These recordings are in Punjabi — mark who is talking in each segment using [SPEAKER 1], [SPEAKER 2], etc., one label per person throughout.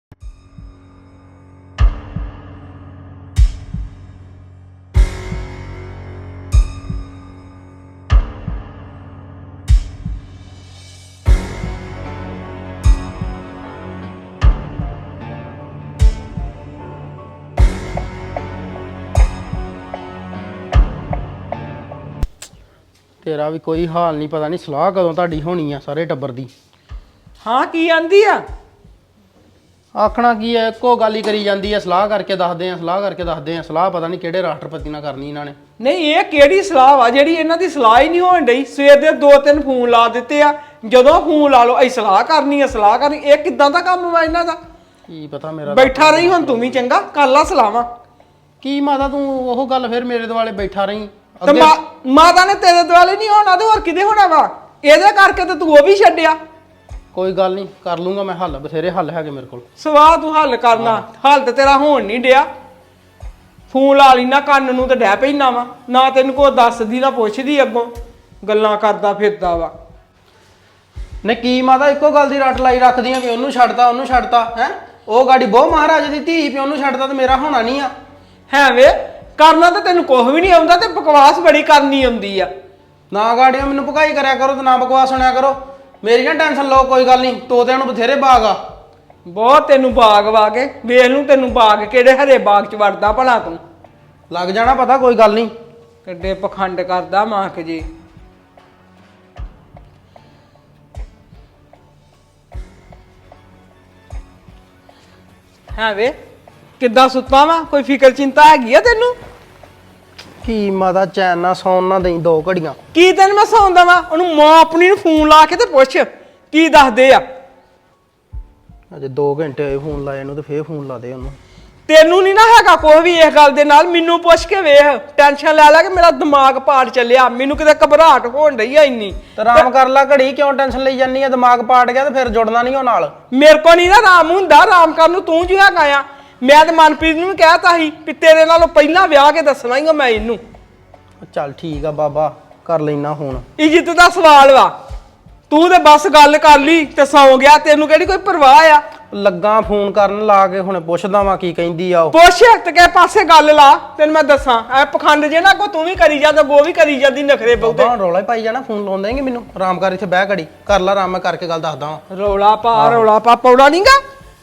[SPEAKER 1] तेरा भी कोई हाल नहीं पता नहीं सलाह कदों ਤੁਹਾਡੀ होनी आ सारे टब्बर दी।
[SPEAKER 2] हाँ की आंदी आ
[SPEAKER 1] आखना की है एको गल ही करी जाती है सलाह करके दसदे हैं सलाह करके दसदे हैं सलाह पता नहीं किहड़े राष्ट्रपति नाल करनी इन्हां ने।
[SPEAKER 2] नहीं ये किहड़ी सलाह वा ਜਿਹੜੀ ਇਹਨਾਂ ਦੀ ਸਲਾਹ ਹੀ ਨਹੀਂ ਹੋਣ ਡਈ ਸਵੇਰ ਦੇ 2-3 ਫੋਨ ਲਾ ਦਿੱਤੇ ਆ ਜਦੋਂ ਫੋਨ ਲਾ ਲਓ ਅਸੀਂ ਸਲਾਹ ਕਰਨੀ ਇਹ ਕਿੱਦਾਂ ਦਾ ਕੰਮ ਵਾ ਇਹਨਾਂ ਦਾ
[SPEAKER 1] ਕੀ ਪਤਾ ਮੇਰਾ
[SPEAKER 2] ਬੈਠਾ ਰਹੀ ਹੁਣ ਤੂੰ ਵੀ ਚੰਗਾ ਕਰ ਲਾ ਸਲਾਹਾਂ
[SPEAKER 1] ਕੀ ਮਾਤਾ ਤੂੰ ਉਹ ਗੱਲ ਫਿਰ ਮੇਰੇ ਦੁਆਲੇ ਬੈਠਾ ਰਹੀਂ
[SPEAKER 2] ਤੇ ਮਾਤਾ ਨੇ ਤੇਰੇ ਦੁਆਲੇ ਨਹੀਂ ਹੋਣਾ ਤੇ ਹੋਰ ਕਿਦੇ ਹੋਣਾ ਵਾ ਇਹਦੇ ਕਰਕੇ ਤੇ ਤੂੰ ਉਹ ਵੀ ਛੱਡਿਆ
[SPEAKER 1] ਕੋਈ ਗੱਲ ਨਹੀਂ ਕਰ ਲੂੰਗਾ ਮੈਂ ਹੱਲ ਬਥੇਰੇ ਹੱਲ ਹੈਗੇ ਮੇਰੇ ਕੋਲ
[SPEAKER 2] ਸਵਾਹ ਤੂੰ ਹੱਲ ਕਰਨਾ ਹੱਲ ਤੇ ਤੇਰਾ ਹੋਣ ਨਹੀਂ ਡਿਆ ਫੋਨ ਲਾ ਲਈ ਨਾ ਕੰਨ ਨੂੰ ਤੇ ਡੈ ਪੈਣਾ ਵਾ ਨਾ ਤੈਨੂੰ ਕੋਈ ਦੱਸਦੀ ਨਾ ਪੁੱਛਦੀ ਅੱਗੋਂ ਗੱਲਾਂ ਕਰਦਾ ਫਿਰਦਾ ਵਾ
[SPEAKER 1] ਨੇ ਕੀ ਮਾਤਾ ਇੱਕੋ ਗੱਲ ਦੀ ਰੱਟ ਲਾਈ ਰੱਖਦੀਆਂ ਵੀ ਉਹਨੂੰ ਛੱਡਤਾ ਹੈ ਉਹ ਗਾੜੀ ਬਹੁ ਮਹਾਰਾਜ ਦੀ ਧੀ ਵੀ ਉਹਨੂੰ ਛੱਡਦਾ ਤੇ ਮੇਰਾ ਹੋਣਾ ਨਹੀਂ ਆ
[SPEAKER 2] ਹੈ ਵੇ ਕਰਨਾ ਤਾਂ ਤੈਨੂੰ ਕੁਝ ਵੀ ਨਹੀਂ ਆਉਂਦਾ ਤੇ ਬਕਵਾਸ ਬੜੀ ਕਰਨੀ ਆਉਂਦੀ ਆ
[SPEAKER 1] ਨਾ ਗਾੜੀਆਂ ਮੈਨੂੰ ਭਕਾਈ ਕਰਿਆ ਕਰੋ ਤੇ ਨਾ ਬਕਵਾਸ ਸੁਣਿਆ ਕਰੋ ਮੇਰੀ ਨਾ ਟੈਨਸ਼ਨ ਲਓ ਕੋਈ ਗੱਲ ਨਹੀਂ ਤੋਤਿਆਂ ਨੂੰ ਬਥੇਰੇ ਬਾਗ ਆ
[SPEAKER 2] ਬਹੁਤ ਤੈਨੂੰ ਬਾਗ ਵਾ ਕੇ ਵੇਖ ਲੂੰ ਤੈਨੂੰ ਬਾਗ ਕਿਹੜੇ ਹਰੇ ਬਾਗ ਚ ਵੜਦਾ ਭਲਾ ਤੂੰ
[SPEAKER 1] ਲੱਗ ਜਾਣਾ ਪਤਾ ਕੋਈ ਗੱਲ ਨਹੀਂ
[SPEAKER 2] ਕਿੱਡੇ ਪਖੰਡ ਕਰਦਾ ਮਾਂਕ ਜੀ ਹੈ ਵੇ ਕਿੱਦਾਂ ਸੁੱਤਾ ਵਾ ਕੋਈ ਫਿਕਰ ਚਿੰਤਾ ਹੈਗੀ ਆ ਤੈਨੂੰ
[SPEAKER 1] ਕੀ ਮਾਤਾ ਚੈਨ ਨਾ ਸੌਣ ਨਾ ਦੇਈ 2 ਘੜੀਆਂ
[SPEAKER 2] ਕੀ ਤੈਨੂੰ ਮੈਂ ਸੌਂਦਾ ਵਾ ਉਹਨੂੰ ਮਾਂ ਆਪਣੀ ਨੂੰ ਫੋਨ ਲਾ ਕੇ ਤੇ ਪੁੱਛ ਕੀ ਦੱਸਦੇ ਆ
[SPEAKER 1] ਅਜੇ 2 ਘੰਟੇ ਹੋਏ ਫੋਨ ਲਾਏ ਇਹਨੂੰ ਤੇ ਫੇਰ ਫੋਨ ਲਾ ਦੇ ਉਹਨੂੰ
[SPEAKER 2] ਤੈਨੂੰ ਨਹੀਂ ਨਾ ਹੈਗਾ ਕੋਈ ਵੀ ਇਸ ਗੱਲ ਦੇ ਨਾਲ ਮੈਨੂੰ ਪੁੱਛ ਕੇ ਵੇਖ ਟੈਨਸ਼ਨ ਲੈ ਕੇ ਮੇਰਾ ਦਿਮਾਗ ਪਾੜ ਚੱਲਿਆ ਮੈਨੂੰ ਕਿਤੇ ਘਬਰਾਹਟ ਹੋਣ ਰਹੀ ਆ ਇੰਨੀ
[SPEAKER 1] ਤੇ ਆਰਾਮ ਕਰ ਲੈ ਘੜੀ ਕਿਉਂ ਟੈਨਸ਼ਨ ਲਈ ਜਾਨੀ ਆ ਦਿਮਾਗ ਪਾੜ ਗਿਆ ਤੇ ਫਿਰ ਜੁੜਨਾ ਨਹੀਂ ਉਹ ਨਾਲ
[SPEAKER 2] ਮੇਰੇ ਕੋ ਨਹੀਂ ਨਾ ਆਰਾਮ ਹੁੰਦਾ ਆਰਾਮ ਕਰਨ ਨੂੰ ਤੂੰ ਜੋ ਹੈਗਾ ਆ ਮੈਂ ਤੇ ਮਨਪ੍ਰੀਤ ਨੂੰ ਵੀ ਕਹਿਤਾ ਸੀ ਵੀ ਤੇਰੇ ਨਾਲੋਂ ਪਹਿਲਾਂ ਵਿਆਹ ਕੇ ਦੱਸਣਾ ਹੀ ਮੈਂ ਇਹਨੂੰ
[SPEAKER 1] ਚੱਲ ਠੀਕ ਆ ਬਾਬਾ ਕਰ ਲੈਣਾ ਹੁਣ
[SPEAKER 2] ਇੱਜ਼ਤ ਦਾ ਸਵਾਲ ਵਾ ਤੂੰ ਤੇ ਬਸ ਗੱਲ ਕਰ ਲਈ ਤੇ ਸੌਂ ਗਿਆ ਤੈਨੂੰ ਕਿਹੜੀ ਕੋਈ ਪਰਵਾਹ ਆ
[SPEAKER 1] ਲੱਗਾ ਫੋਨ ਕਰਨ ਲਾ ਕੇ ਹੁਣ ਪੁੱਛਦਾ ਵਾਂ ਕੀ ਕਹਿੰਦੀ ਆ ਉਹ
[SPEAKER 2] ਪੁੱਛ ਤੇ ਕਿਸੇ ਪਾਸੇ ਗੱਲ ਲਾ ਤੈਨੂੰ ਮੈਂ ਦੱਸਾਂ ਐ ਪਖੰਡ ਜੇ ਨਾ ਕੋ ਤੂੰ ਵੀ ਕਰੀ ਜਾਂਦਾ ਗੋ ਵੀ ਕਰੀ ਜਾਂਦੀ ਨਖਰੇ ਬਹੁਤੇ
[SPEAKER 1] ਬਾਬਾ ਰੌਲਾ ਹੀ ਪਾਈ ਜਾਣਾ ਫੋਨ ਲਾਉਣ ਦੇਂਗੇ ਮੈਨੂੰ ਆਰਾਮ ਕਰ ਇੱਥੇ ਬਹਿ ਘੜੀ ਕਰ ਲੈ ਆਰਾਮ ਮੈਂ ਕਰਕੇ ਗੱਲ ਦੱਸਦਾ ਵਾਂ
[SPEAKER 2] ਰੌਲਾ ਪਾ ਪੌੜਾ ਨਹੀਂਗਾ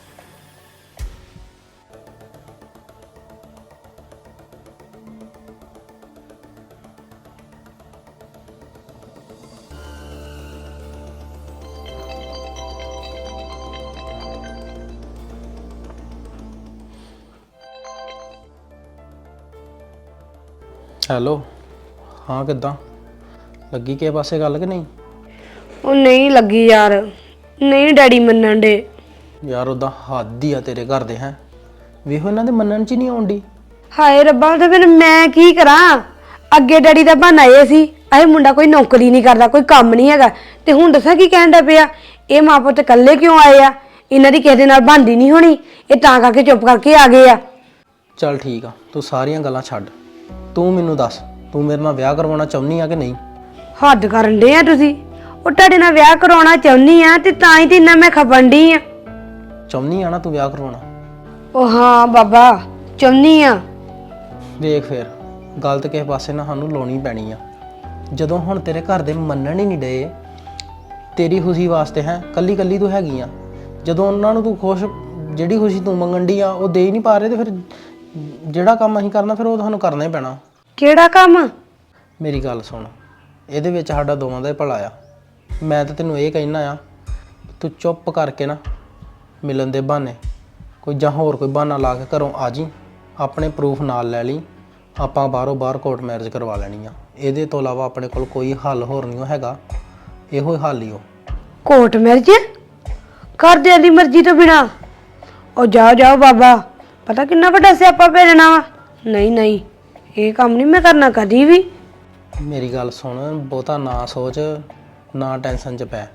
[SPEAKER 1] ਹੈਲੋ ਹਾਂ ਕਿੱਦਾਂ ਲੱਗੀ ਕਿਸੇ ਪਾਸੇ ਗੱਲ ਕਿ ਨਹੀਂ
[SPEAKER 3] ਉਹ ਨਹੀਂ ਲੱਗੀ ਯਾਰ ਨਹੀਂ ਡੈਡੀ ਮੰਨਣ ਦੇ
[SPEAKER 1] ਯਾਰ ਉਹਦਾ ਹੱਦ ਹੀ ਆ ਤੇਰੇ ਘਰ ਦੇ ਹੈ ਵੇਖੋ ਇਹਨਾਂ ਦੇ ਮੰਨਣ ਚ ਹੀ ਨਹੀਂ ਆਉਂਦੀ
[SPEAKER 3] ਹਾਏ ਰੱਬਾ ਤੇ ਫਿਰ ਮੈਂ ਕੀ ਕਰਾਂ ਅੱਗੇ ਡੈਡੀ ਦਾ ਬਹਾਨਾ ਇਹ ਸੀ ਇਹ ਮੁੰਡਾ ਕੋਈ ਨੌਕਰੀ ਨਹੀਂ ਕਰਦਾ ਕੋਈ ਕੰਮ ਨਹੀਂ ਹੈਗਾ ਤੇ ਹੁਣ ਦੱਸਾਂ ਕੀ ਕਹਿਣ ਦਾ ਪਿਆ ਇਹ ਮਾਂ ਪੁੱਤ ਇਕੱਲੇ ਕਿਉਂ ਆਏ ਆ ਇਹਨਾਂ ਦੀ ਕਿਸੇ ਦੇ ਨਾਲ ਬਣਦੀ ਨਹੀਂ ਹੋਣੀ ਇਹ ਤਾਂ ਕਰਕੇ ਚੁੱਪ ਕਰਕੇ ਆ ਗਏ ਆ
[SPEAKER 1] ਚੱਲ ਠੀਕ ਆ ਤੂੰ ਸਾਰੀਆਂ ਗੱਲਾਂ ਛੱਡ ਤੂੰ ਮੈਨੂੰ ਦੱਸ ਤੂੰ ਮੇਰੇ ਨਾਲ ਵਿਆਹ ਕਰਵਾਉਣਾ ਚਾਹੁੰਦੀ ਆ ਕਿ ਨਹੀਂ
[SPEAKER 3] ਹੱਦ ਕਰਨ ਦੇ ਆ ਤੁਸੀਂ ਉਹ ਤੁਹਾਡੇ ਨਾਲ ਵਿਆਹ ਕਰਾਉਣਾ ਚਾਹੁੰਦੀ ਆ ਤੇ ਤਾਂ ਹੀ ਤੇ ਇੰਨਾ ਮੈਂ ਖਪਣ ਡਈ ਆ
[SPEAKER 1] ਚਾਹੁੰਦੀ ਆ ਨਾ ਤੂੰ ਵਿਆਹ ਕਰਵਾਉਣਾ
[SPEAKER 3] ਉਹ ਹਾਂ ਬਾਬਾ ਚਾਹੁੰਦੀ ਆ
[SPEAKER 1] ਵੇਖ ਫੇਰ ਗਲਤ ਕਿਸੇ ਪਾਸੇ ਨਾ ਸਾਨੂੰ ਲਾਉਣੀ ਪੈਣੀ ਆ ਜਦੋਂ ਹੁਣ ਤੇਰੇ ਘਰ ਦੇ ਮੰਨਣ ਹੀ ਨਹੀਂ ਡਏ ਤੇਰੀ ਖੁਸ਼ੀ ਵਾਸਤੇ ਹੈ ਕੱਲੀ ਕੱਲੀ ਤੂੰ ਹੈਗੀ ਆ ਜਦੋਂ ਉਹਨਾਂ ਨੂੰ ਤੂੰ ਖੁਸ਼ ਜਿਹੜੀ ਖੁਸ਼ੀ ਤੂੰ ਮੰਗਣ ਦੀ ਆ ਉਹ ਦੇ ਹੀ ਨਹੀਂ ਪਾ ਰਹੇ ਤੇ ਫਿਰ ਜਿਹੜਾ ਕੰਮ ਅਸੀਂ ਕਰਨਾ ਫਿਰ ਉਹ ਤੁਹਾਨੂੰ ਕਰਨਾ ਹੀ ਪੈਣਾ
[SPEAKER 3] ਕਿਹੜਾ ਕੰਮ
[SPEAKER 1] ਮੇਰੀ ਗੱਲ ਸੁਣ ਇਹਦੇ ਵਿੱਚ ਸਾਡਾ ਦੋਵਾਂ ਦਾ ਹੀ ਭਲਾ ਆ ਮੈਂ ਤਾਂ ਤੈਨੂੰ ਇਹ ਕਹਿਣਾ ਆ ਤੂੰ ਚੁੱਪ ਕਰਕੇ ਨਾ ਮਿਲਣ ਦੇ ਬਹਾਨੇ ਕੋਈ ਜਾਂ ਹੋਰ ਕੋਈ ਬਹਾਨਾ ਲਾ ਕੇ ਘਰੋਂ ਆ ਜੀ ਆਪਣੇ ਪ੍ਰੂਫ ਨਾਲ ਲੈ ਲਈ ਆਪਾਂ ਬਾਹਰ ਕੋਰਟ ਮੈਰਿਜ ਕਰਵਾ ਲੈਣੀ ਆ ਇਹਦੇ ਤੋਂ ਇਲਾਵਾ ਆਪਣੇ ਕੋਲ ਕੋਈ ਹੱਲ ਹੋਰ ਨਹੀਂ ਹੈਗਾ ਇਹੋ ਹੀ ਹੱਲ ਹੀ ਉਹ
[SPEAKER 3] ਕੋਰਟ ਮੈਰਿਜ ਘਰਦਿਆਂ ਦੀ ਮਰਜ਼ੀ ਤੋਂ ਬਿਨਾ ਉਹ ਜਾਓ ਬਾਬਾ ਪਤਾ ਕਿੰਨਾ ਵੱਡਾ ਸਿਆਪਾ ਪੈ ਜਾਣਾ ਵਾ ਨਹੀਂ ਇਹ ਕੰਮ ਨਹੀਂ ਮੈਂ ਕਰਨਾ ਕਦੀ ਵੀ
[SPEAKER 1] ਮੇਰੀ ਗੱਲ ਸੁਣ ਬਹੁਤਾ ਨਾ ਸੋਚ ਨਾ ਟੈਨਸ਼ਨ 'ਚ ਪੈ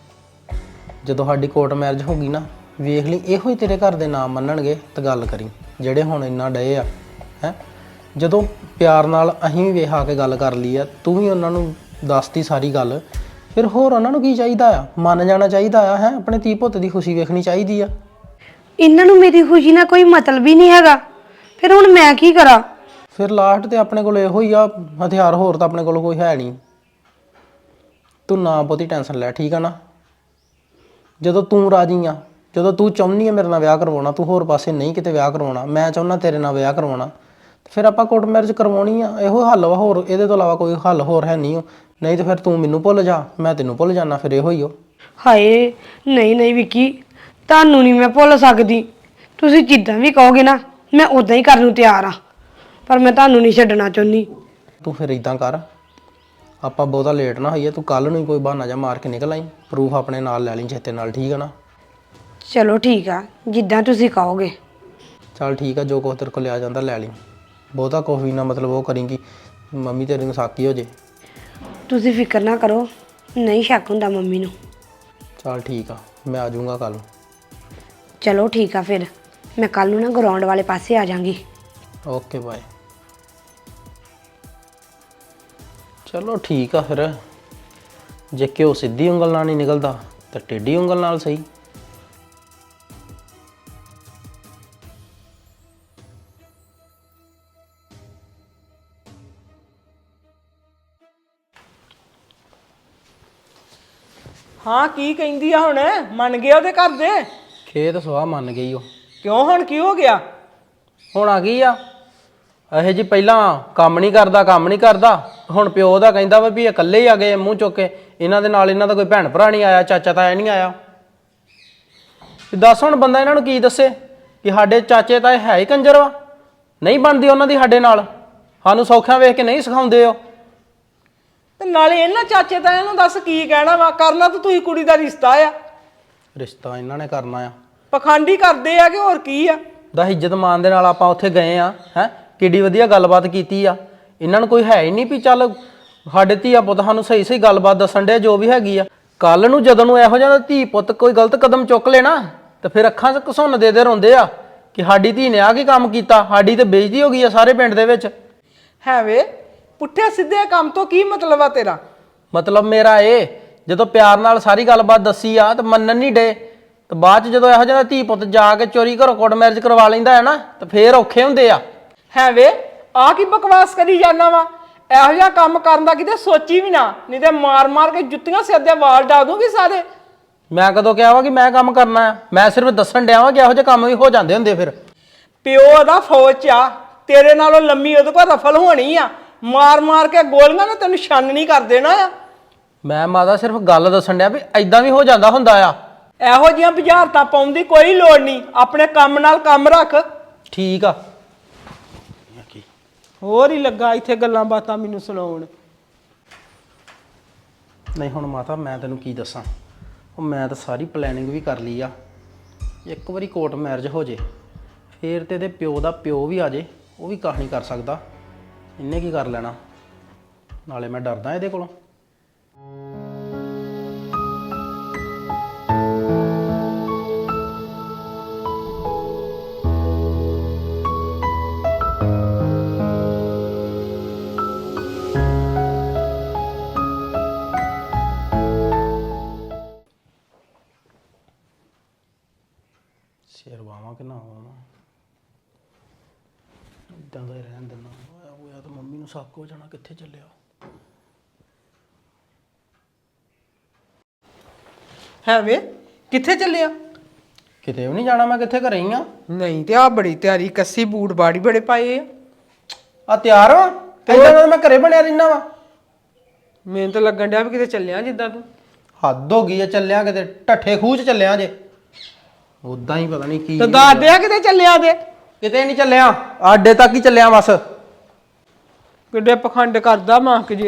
[SPEAKER 1] ਜਦੋਂ ਸਾਡੀ ਕੋਰਟ ਮੈਰਿਜ ਹੋ ਗਈ ਨਾ ਵੇਖ ਲਈ ਇਹੋ ਹੀ ਤੇਰੇ ਘਰ ਦੇ ਨਾਮ ਮੰਨਣਗੇ ਤਾਂ ਗੱਲ ਕਰੀ ਜਿਹੜੇ ਹੁਣ ਇੰਨਾ ਡਏ ਆ ਹੈ ਜਦੋਂ ਪਿਆਰ ਨਾਲ ਅਸੀਂ ਵੀ ਵੇਖ ਆ ਕੇ ਗੱਲ ਕਰ ਲਈ ਆ ਤੂੰ ਵੀ ਉਹਨਾਂ ਨੂੰ ਦੱਸਤੀ ਸਾਰੀ ਗੱਲ ਫਿਰ ਹੋਰ ਉਹਨਾਂ ਨੂੰ ਕੀ ਚਾਹੀਦਾ ਆ ਮੰਨ ਜਾਣਾ ਚਾਹੀਦਾ ਆ ਹੈ ਆਪਣੇ ਧੀ ਪੁੱਤ ਦੀ ਖੁਸ਼ੀ ਵੇਖਣੀ ਚਾਹੀਦੀ ਆ
[SPEAKER 3] ਇਹਨਾਂ ਨੂੰ ਮੇਰੀ ਖੁਸ਼ੀ ਨਾਲ ਕੋਈ ਮਤਲਬ ਹੀ ਨਹੀਂ ਹੈਗਾ। ਫਿਰ ਹੁਣ ਮੈਂ ਕੀ ਕਰਾਂ?
[SPEAKER 1] ਫਿਰ ਲਾਸਟ ਤੇ ਆਪਣੇ ਕੋਲ ਇਹੋ ਹੀ ਆ ਹਥਿਆਰ, ਹੋਰ ਤਾਂ ਆਪਣੇ ਕੋਲ ਕੋਈ ਹੈ ਨਹੀਂ। ਤੂੰ ਨਾ ਬਹੁਤੀ ਟੈਨਸ਼ਨ ਲੈ, ਠੀਕ ਆ ਨਾ। ਜਦੋਂ ਤੂੰ ਰਾਜੀ ਆ, ਜਦੋਂ ਤੂੰ ਚਾਹੁੰਦੀ ਆ ਮੇਰੇ ਨਾਲ ਵਿਆਹ ਕਰਵਾਉਣਾ, ਤੂੰ ਹੋਰ ਪਾਸੇ ਨਹੀਂ ਕਿਤੇ ਵਿਆਹ ਕਰਵਾਉਣਾ, ਮੈਂ ਚਾਹੁੰਦਾ ਤੇਰੇ ਨਾਲ ਵਿਆਹ ਕਰਵਾਉਣਾ, ਫਿਰ ਆਪਾਂ ਕੋਰਟ ਮੈਰਿਜ ਕਰਵਾਉਣੀ ਆ। ਇਹੋ ਹੱਲ ਵਾ, ਹੋਰ ਇਹਦੇ ਤੋਂ ਇਲਾਵਾ ਕੋਈ ਹੱਲ ਹੋਰ ਹੈ ਨਹੀਂ। ਨਹੀਂ ਤੇ ਫਿਰ ਤੂੰ ਮੈਨੂੰ ਭੁੱਲ ਜਾ, ਮੈਂ ਤੈਨੂੰ ਭੁੱਲ ਜਾਣਾ, ਫਿਰ ਇਹੋ ਹੀ ਹੋ।
[SPEAKER 3] ਹਾਏ ਨਹੀਂ ਨਹੀਂ ਵਿੱਕੀ, ਤੁਹਾਨੂੰ ਨਹੀਂ ਮੈਂ ਭੁੱਲ ਸਕਦੀ। ਤੁਸੀਂ ਜਿੱਦਾਂ ਵੀ ਕਹੋਗੇ ਨਾ ਮੈਂ ਉਦਾਂ ਹੀ ਕਰਨ ਨੂੰ ਤਿਆਰ ਆ, ਪਰ ਮੈਂ ਤੁਹਾਨੂੰ ਨਹੀਂ ਛੱਡਣਾ ਚਾਹੁੰਦੀ।
[SPEAKER 1] ਤੂੰ ਫਿਰ ਇਦਾਂ ਕਰ, ਆਪਾਂ ਬਹੁਤਾ ਲੇਟ ਨਾ ਹੋਈਏ, ਤੂੰ ਕੱਲ ਨੂੰ ਹੀ ਕੋਈ ਬਹਾਨਾ ਜਾਂ ਮਾਰ ਕੇ ਨਿਕਲ ਆਈ, ਪ੍ਰੂਫ ਆਪਣੇ ਨਾਲ ਲੈ ਲਈ ਚੇਤੇ ਨਾਲ, ਠੀਕ ਆ ਨਾ।
[SPEAKER 3] ਚਲੋ ਠੀਕ ਆ, ਜਿੱਦਾਂ ਤੁਸੀਂ ਕਹੋਗੇ।
[SPEAKER 1] ਚੱਲ ਠੀਕ ਆ, ਜੋ ਕੁਛ ਤੇਰੇ ਕੋਲ ਲਿਆ ਜਾਂਦਾ ਲੈ ਲਈ। ਬਹੁਤਾ ਕੁਛ ਵੀ ਨਾ ਮਤਲਬ ਉਹ ਕਰੀਂ ਮੰਮੀ ਤੇਰੀ ਨੂੰ ਸਾਕੀ ਹੋ ਜੇ।
[SPEAKER 3] ਤੁਸੀਂ ਫਿਕਰ ਨਾ ਕਰੋ, ਨਹੀਂ ਸ਼ੱਕ ਹੁੰਦਾ ਮੰਮੀ ਨੂੰ।
[SPEAKER 1] ਚੱਲ ਠੀਕ ਆ, ਮੈਂ ਆ ਜਾਊਂਗਾ ਕੱਲ।
[SPEAKER 3] ਚਲੋ ਠੀਕ ਆ, ਫਿਰ ਮੈਂ ਕੱਲ ਨੂੰ ਨਾ ਗਰਾਊਂਡ ਵਾਲੇ ਪਾਸੇ ਆ ਜਾਾਂਗੀ।
[SPEAKER 1] Okay bye. ਚਲੋ ਠੀਕ ਆ ਫਿਰ, ਜੇ ਘਿਓ ਸਿੱਧੀ ਉਂਗਲ ਨਾਲ ਨਹੀਂ ਨਿਕਲਦਾ ਤਾਂ ਟੇਢੀ ਉਂਗਲ ਨਾਲ ਸਹੀ।
[SPEAKER 2] ਹਾਂ ਕੀ ਕਹਿੰਦੀ ਆ ਹੁਣ? ਮੰਨ ਗਿਆ ਉਹਦੇ ਘਰ ਦੇ?
[SPEAKER 1] ਖੇਤ ਸਵਾਹ ਮੰਨ ਗਈ ਉਹ।
[SPEAKER 2] ਕਿਉਂ ਹੁਣ ਕੀ ਹੋ ਗਿਆ?
[SPEAKER 1] ਹੁਣ ਆ ਗਈ ਆ ਇਹੋ ਜੀ, ਪਹਿਲਾਂ ਕੰਮ ਨਹੀਂ ਕਰਦਾ, ਹੁਣ ਪਿਓ ਦਾ ਕਹਿੰਦਾ ਵਾ ਵੀ ਇਹ ਇਕੱਲੇ ਹੀ ਆ ਗਏ ਮੂੰਹ ਚੁੱਕ ਕੇ, ਇਹਨਾਂ ਦੇ ਨਾਲ ਇਹਨਾਂ ਦਾ ਕੋਈ ਭੈਣ ਭਰਾ ਨਹੀਂ ਆਇਆ, ਚਾਚਾ ਤਾਇਆ ਨਹੀਂ ਆਇਆ। ਤੇ ਦੱਸ ਹੁਣ ਬੰਦਾ ਇਹਨਾਂ ਨੂੰ ਕੀ ਦੱਸੇ ਕਿ ਸਾਡੇ ਚਾਚੇ ਤਾਏ ਹੈ ਹੀ ਕੰਜਰ ਵਾ, ਨਹੀਂ ਬਣਦੀ ਉਹਨਾਂ ਦੀ ਸਾਡੇ ਨਾਲ, ਸਾਨੂੰ ਸੌਖਿਆਂ ਵੇਖ ਕੇ ਨਹੀਂ ਸਿਖਾਉਂਦੇ ਉਹ।
[SPEAKER 2] ਤੇ ਨਾਲੇ ਇਹਨਾਂ ਚਾਚੇ ਤਾਇਆਂ ਨੂੰ ਦੱਸ ਕੀ ਕਹਿਣਾ ਵਾ? ਕਰਨਾ ਤਾਂ ਤੁਸੀਂ ਕੁੜੀ ਦਾ ਰਿਸ਼ਤਾ ਆ।
[SPEAKER 1] ਰਿਸ਼ਤਾ ਇਹਨਾਂ ਨੇ ਕਰਨਾ ਆ,
[SPEAKER 2] ਪਖੰਡੀ ਕਰਦੇ ਆ ਕਿ ਹੋਰ ਕੀ ਆ?
[SPEAKER 1] ਦਾ ਇੱਜ਼ਤ ਮਾਨ ਦੇ ਨਾਲ ਆਪਾਂ ਉੱਥੇ ਗਏ ਆ, ਹੈ ਕਿੱਡੀ ਵਧੀਆ ਗੱਲਬਾਤ ਕੀਤੀ ਆ। ਇਹਨਾਂ ਨੂੰ ਕੋਈ ਹੈ ਹੀ ਨਹੀਂ ਵੀ ਚੱਲ ਸਾਡੇ ਧੀਆ ਪੁੱਤ ਸਾਨੂੰ ਸਹੀ ਸਹੀ ਗੱਲਬਾਤ ਦੱਸਣ ਦੇ ਜੋ ਵੀ ਹੈਗੀ ਆ। ਕੱਲ ਨੂੰ ਜਦੋਂ ਨੂੰ ਇਹੋ ਜਿਹਾ ਧੀ ਪੁੱਤ ਕੋਈ ਗਲਤ ਕਦਮ ਚੁੱਕ ਲੈਣਾ ਤੇ ਫਿਰ ਅੱਖਾਂ 'ਚ ਘਸੁੰਨ ਦੇ ਰੋਂਦੇ ਆ ਕਿ ਸਾਡੀ ਧੀ ਨੇ ਆ ਕੀ ਕੰਮ ਕੀਤਾ, ਸਾਡੀ ਤੇ ਬੇਇੱਜ਼ਤੀ ਹੋ ਗਈ ਆ ਸਾਰੇ ਪਿੰਡ ਦੇ ਵਿੱਚ।
[SPEAKER 2] ਹੈ ਵੇ, ਪੁੱਠੇ ਸਿੱਧੇ ਕੰਮ ਤੋਂ ਕੀ ਮਤਲਬ ਆ ਤੇਰਾ?
[SPEAKER 1] ਮਤਲਬ ਮੇਰਾ ਇਹ, ਜਦੋਂ ਪਿਆਰ ਨਾਲ ਸਾਰੀ ਗੱਲਬਾਤ ਦੱਸੀ ਆ ਤੇ ਮੰਨਣ ਨਹੀਂ ਡੇ, ਤੇ ਬਾਅਦ 'ਚ ਜਦੋਂ ਇਹੋ ਜਿਹਾ ਧੀ ਪੁੱਤ ਜਾ ਕੇ ਚੋਰੀ ਘਰੋਂ ਕੋਰਟ ਮੈਰਿਜ ਕਰਵਾ ਲੈਂਦਾ ਹੈ ਨਾ, ਤੇ ਫੇਰ ਔਖੇ ਹੁੰਦੇ ਆ।
[SPEAKER 2] ਹੈ ਵੇ, ਆ ਕੀ ਬਕਵਾਸ ਕਰੀ ਜਾਂਦਾ ਵਾ? ਇਹੋ ਜਿਹਾ ਕੰਮ ਕਰਨ ਦਾ ਕਿਤੇ ਸੋਚੀ ਵੀ ਨਾ, ਨਹੀਂ ਤੇ ਮਾਰ ਮਾਰ ਕੇ ਜੁੱਤੀਆਂ ਸਿਰ ਦੇ ਵਾਲ ਡਾ ਦੂੰਗੀ ਸਾਰੇ।
[SPEAKER 1] ਮੈਂ ਕਦੋਂ ਕਿਹਾ ਵਾ ਕਿ ਮੈਂ ਕੰਮ ਕਰਨਾ ਆ? ਮੈਂ ਸਿਰਫ ਦੱਸਣ ਡਿਆ ਵਾਂ ਕਿ ਇਹੋ ਜਿਹੇ ਕੰਮ ਵੀ ਹੋ ਜਾਂਦੇ ਹੁੰਦੇ। ਫਿਰ
[SPEAKER 2] ਪਿਓ ਦਾ ਫੌਜ 'ਚ ਆ, ਤੇਰੇ ਨਾਲੋਂ ਲੰਮੀ ਉਹਦੇ ਕੋਲ ਰਫਲ ਹੋਣੀ ਆ, ਮਾਰ ਮਾਰ ਕੇ ਗੋਲੀਆਂ ਨੇ ਤੈਨੂੰ ਛਾਨਣੀ ਕਰ ਦੇਣਾ ਆ।
[SPEAKER 1] ਮੈਂ ਮਾਤਾ ਸਿਰਫ ਗੱਲ ਦੱਸਣ ਡਿਆ ਵੀ ਐਦਾਂ ਵੀ ਹੋ ਜਾਂਦਾ ਹੁੰਦਾ ਆ।
[SPEAKER 2] ਇਹੋ ਜਿਹੀਆਂ ਬੁਝਾਰਤਾਂ ਪਾਉਣ ਦੀ ਕੋਈ ਲੋੜ ਨਹੀਂ, ਆਪਣੇ ਕੰਮ ਨਾਲ ਕੰਮ ਰੱਖ।
[SPEAKER 1] ਠੀਕ ਆ।
[SPEAKER 2] ਹੋਰ ਹੀ ਲੱਗਾ ਇੱਥੇ ਗੱਲਾਂ ਬਾਤਾਂ ਮੈਨੂੰ ਸੁਣਾਉਣ।
[SPEAKER 1] ਨਹੀਂ ਹੁਣ ਮਾਤਾ ਮੈਂ ਤੈਨੂੰ ਕੀ ਦੱਸਾਂ, ਉਹ ਮੈਂ ਤਾਂ ਸਾਰੀ ਪਲੈਨਿੰਗ ਵੀ ਕਰ ਲਈ ਆ। ਇੱਕ ਵਾਰੀ ਕੋਰਟ ਮੈਰਿਜ ਹੋ ਜੇ ਫੇਰ ਤੇ ਇਹਦੇ ਪਿਓ ਦਾ ਪਿਓ ਵੀ ਆ ਜੇ, ਉਹ ਵੀ ਕਾਹ ਨਹੀਂ ਕਰ ਸਕਦਾ, ਇਹਨੇ ਕੀ ਕਰ ਲੈਣਾ। ਨਾਲੇ ਮੈਂ ਡਰਦਾ ਇਹਦੇ ਕੋਲੋਂ। ਸਿਰ ਵਾਵਾਂ ਕਿ ਨਾ ਵਾਵਾਂ, ਇੱਦਾਂ ਦਾ ਹੀ ਰਹਿਣ ਦੇਣਾ। ਹੋਇਆ ਤਾਂ ਮੰਮੀ ਨੂੰ ਸ਼ੱਕ ਹੋ ਜਾਣਾ ਕਿੱਥੇ ਚੱਲਿਆ।
[SPEAKER 2] ਹੈ ਵੇ, ਕਿੱਥੇ ਚੱਲਿਆ?
[SPEAKER 1] ਕਿਤੇ ਵੀ ਨਹੀਂ ਜਾਣਾ, ਮੈਂ ਕਿੱਥੇ ਘਰੇ ਹੀ ਆ।
[SPEAKER 2] ਨਹੀਂ ਤੇ ਆ ਬੜੀ ਤਿਆਰੀ ਕੱਸੀ, ਬੂਟ ਬਾੜੀ ਬੜੇ ਪਾਏ ਆ।
[SPEAKER 1] ਆ ਤਿਆਰ ਵਾਂ, ਏਦਾਂ ਦਾ ਮੈਂ ਘਰੇ ਬਣਿਆ ਰਹਿਣਾ ਵਾ।
[SPEAKER 2] ਮੈਨੂੰ ਤਾਂ ਲੱਗਣ ਡਿਆ ਵੀ ਕਿਤੇ ਚੱਲਿਆ ਜਿੱਦਾਂ ਤੂੰ।
[SPEAKER 1] ਹੱਦ ਹੋ ਗਈ ਆ, ਚੱਲਿਆ ਕਿਤੇ ਢੱਠੇ ਖੂਹ 'ਚ ਚੱਲਿਆ ਜੇ। ਉਦਾਂ ਹੀ ਪਤਾ ਨਹੀਂ ਕੀ।
[SPEAKER 2] ਤੇ ਦੱਸ ਦੇ ਕਿਤੇ ਚੱਲਿਆ ਤੇ।
[SPEAKER 1] ਕਿਤੇ ਨਹੀਂ ਚੱਲਿਆ, ਆਡੇ ਤੱਕ ਹੀ ਚੱਲਿਆ ਬਸ।
[SPEAKER 2] ਕਿੱਡੇ ਪਖੰਡ ਕਰਦਾ ਮਾਂਕ ਜੇ।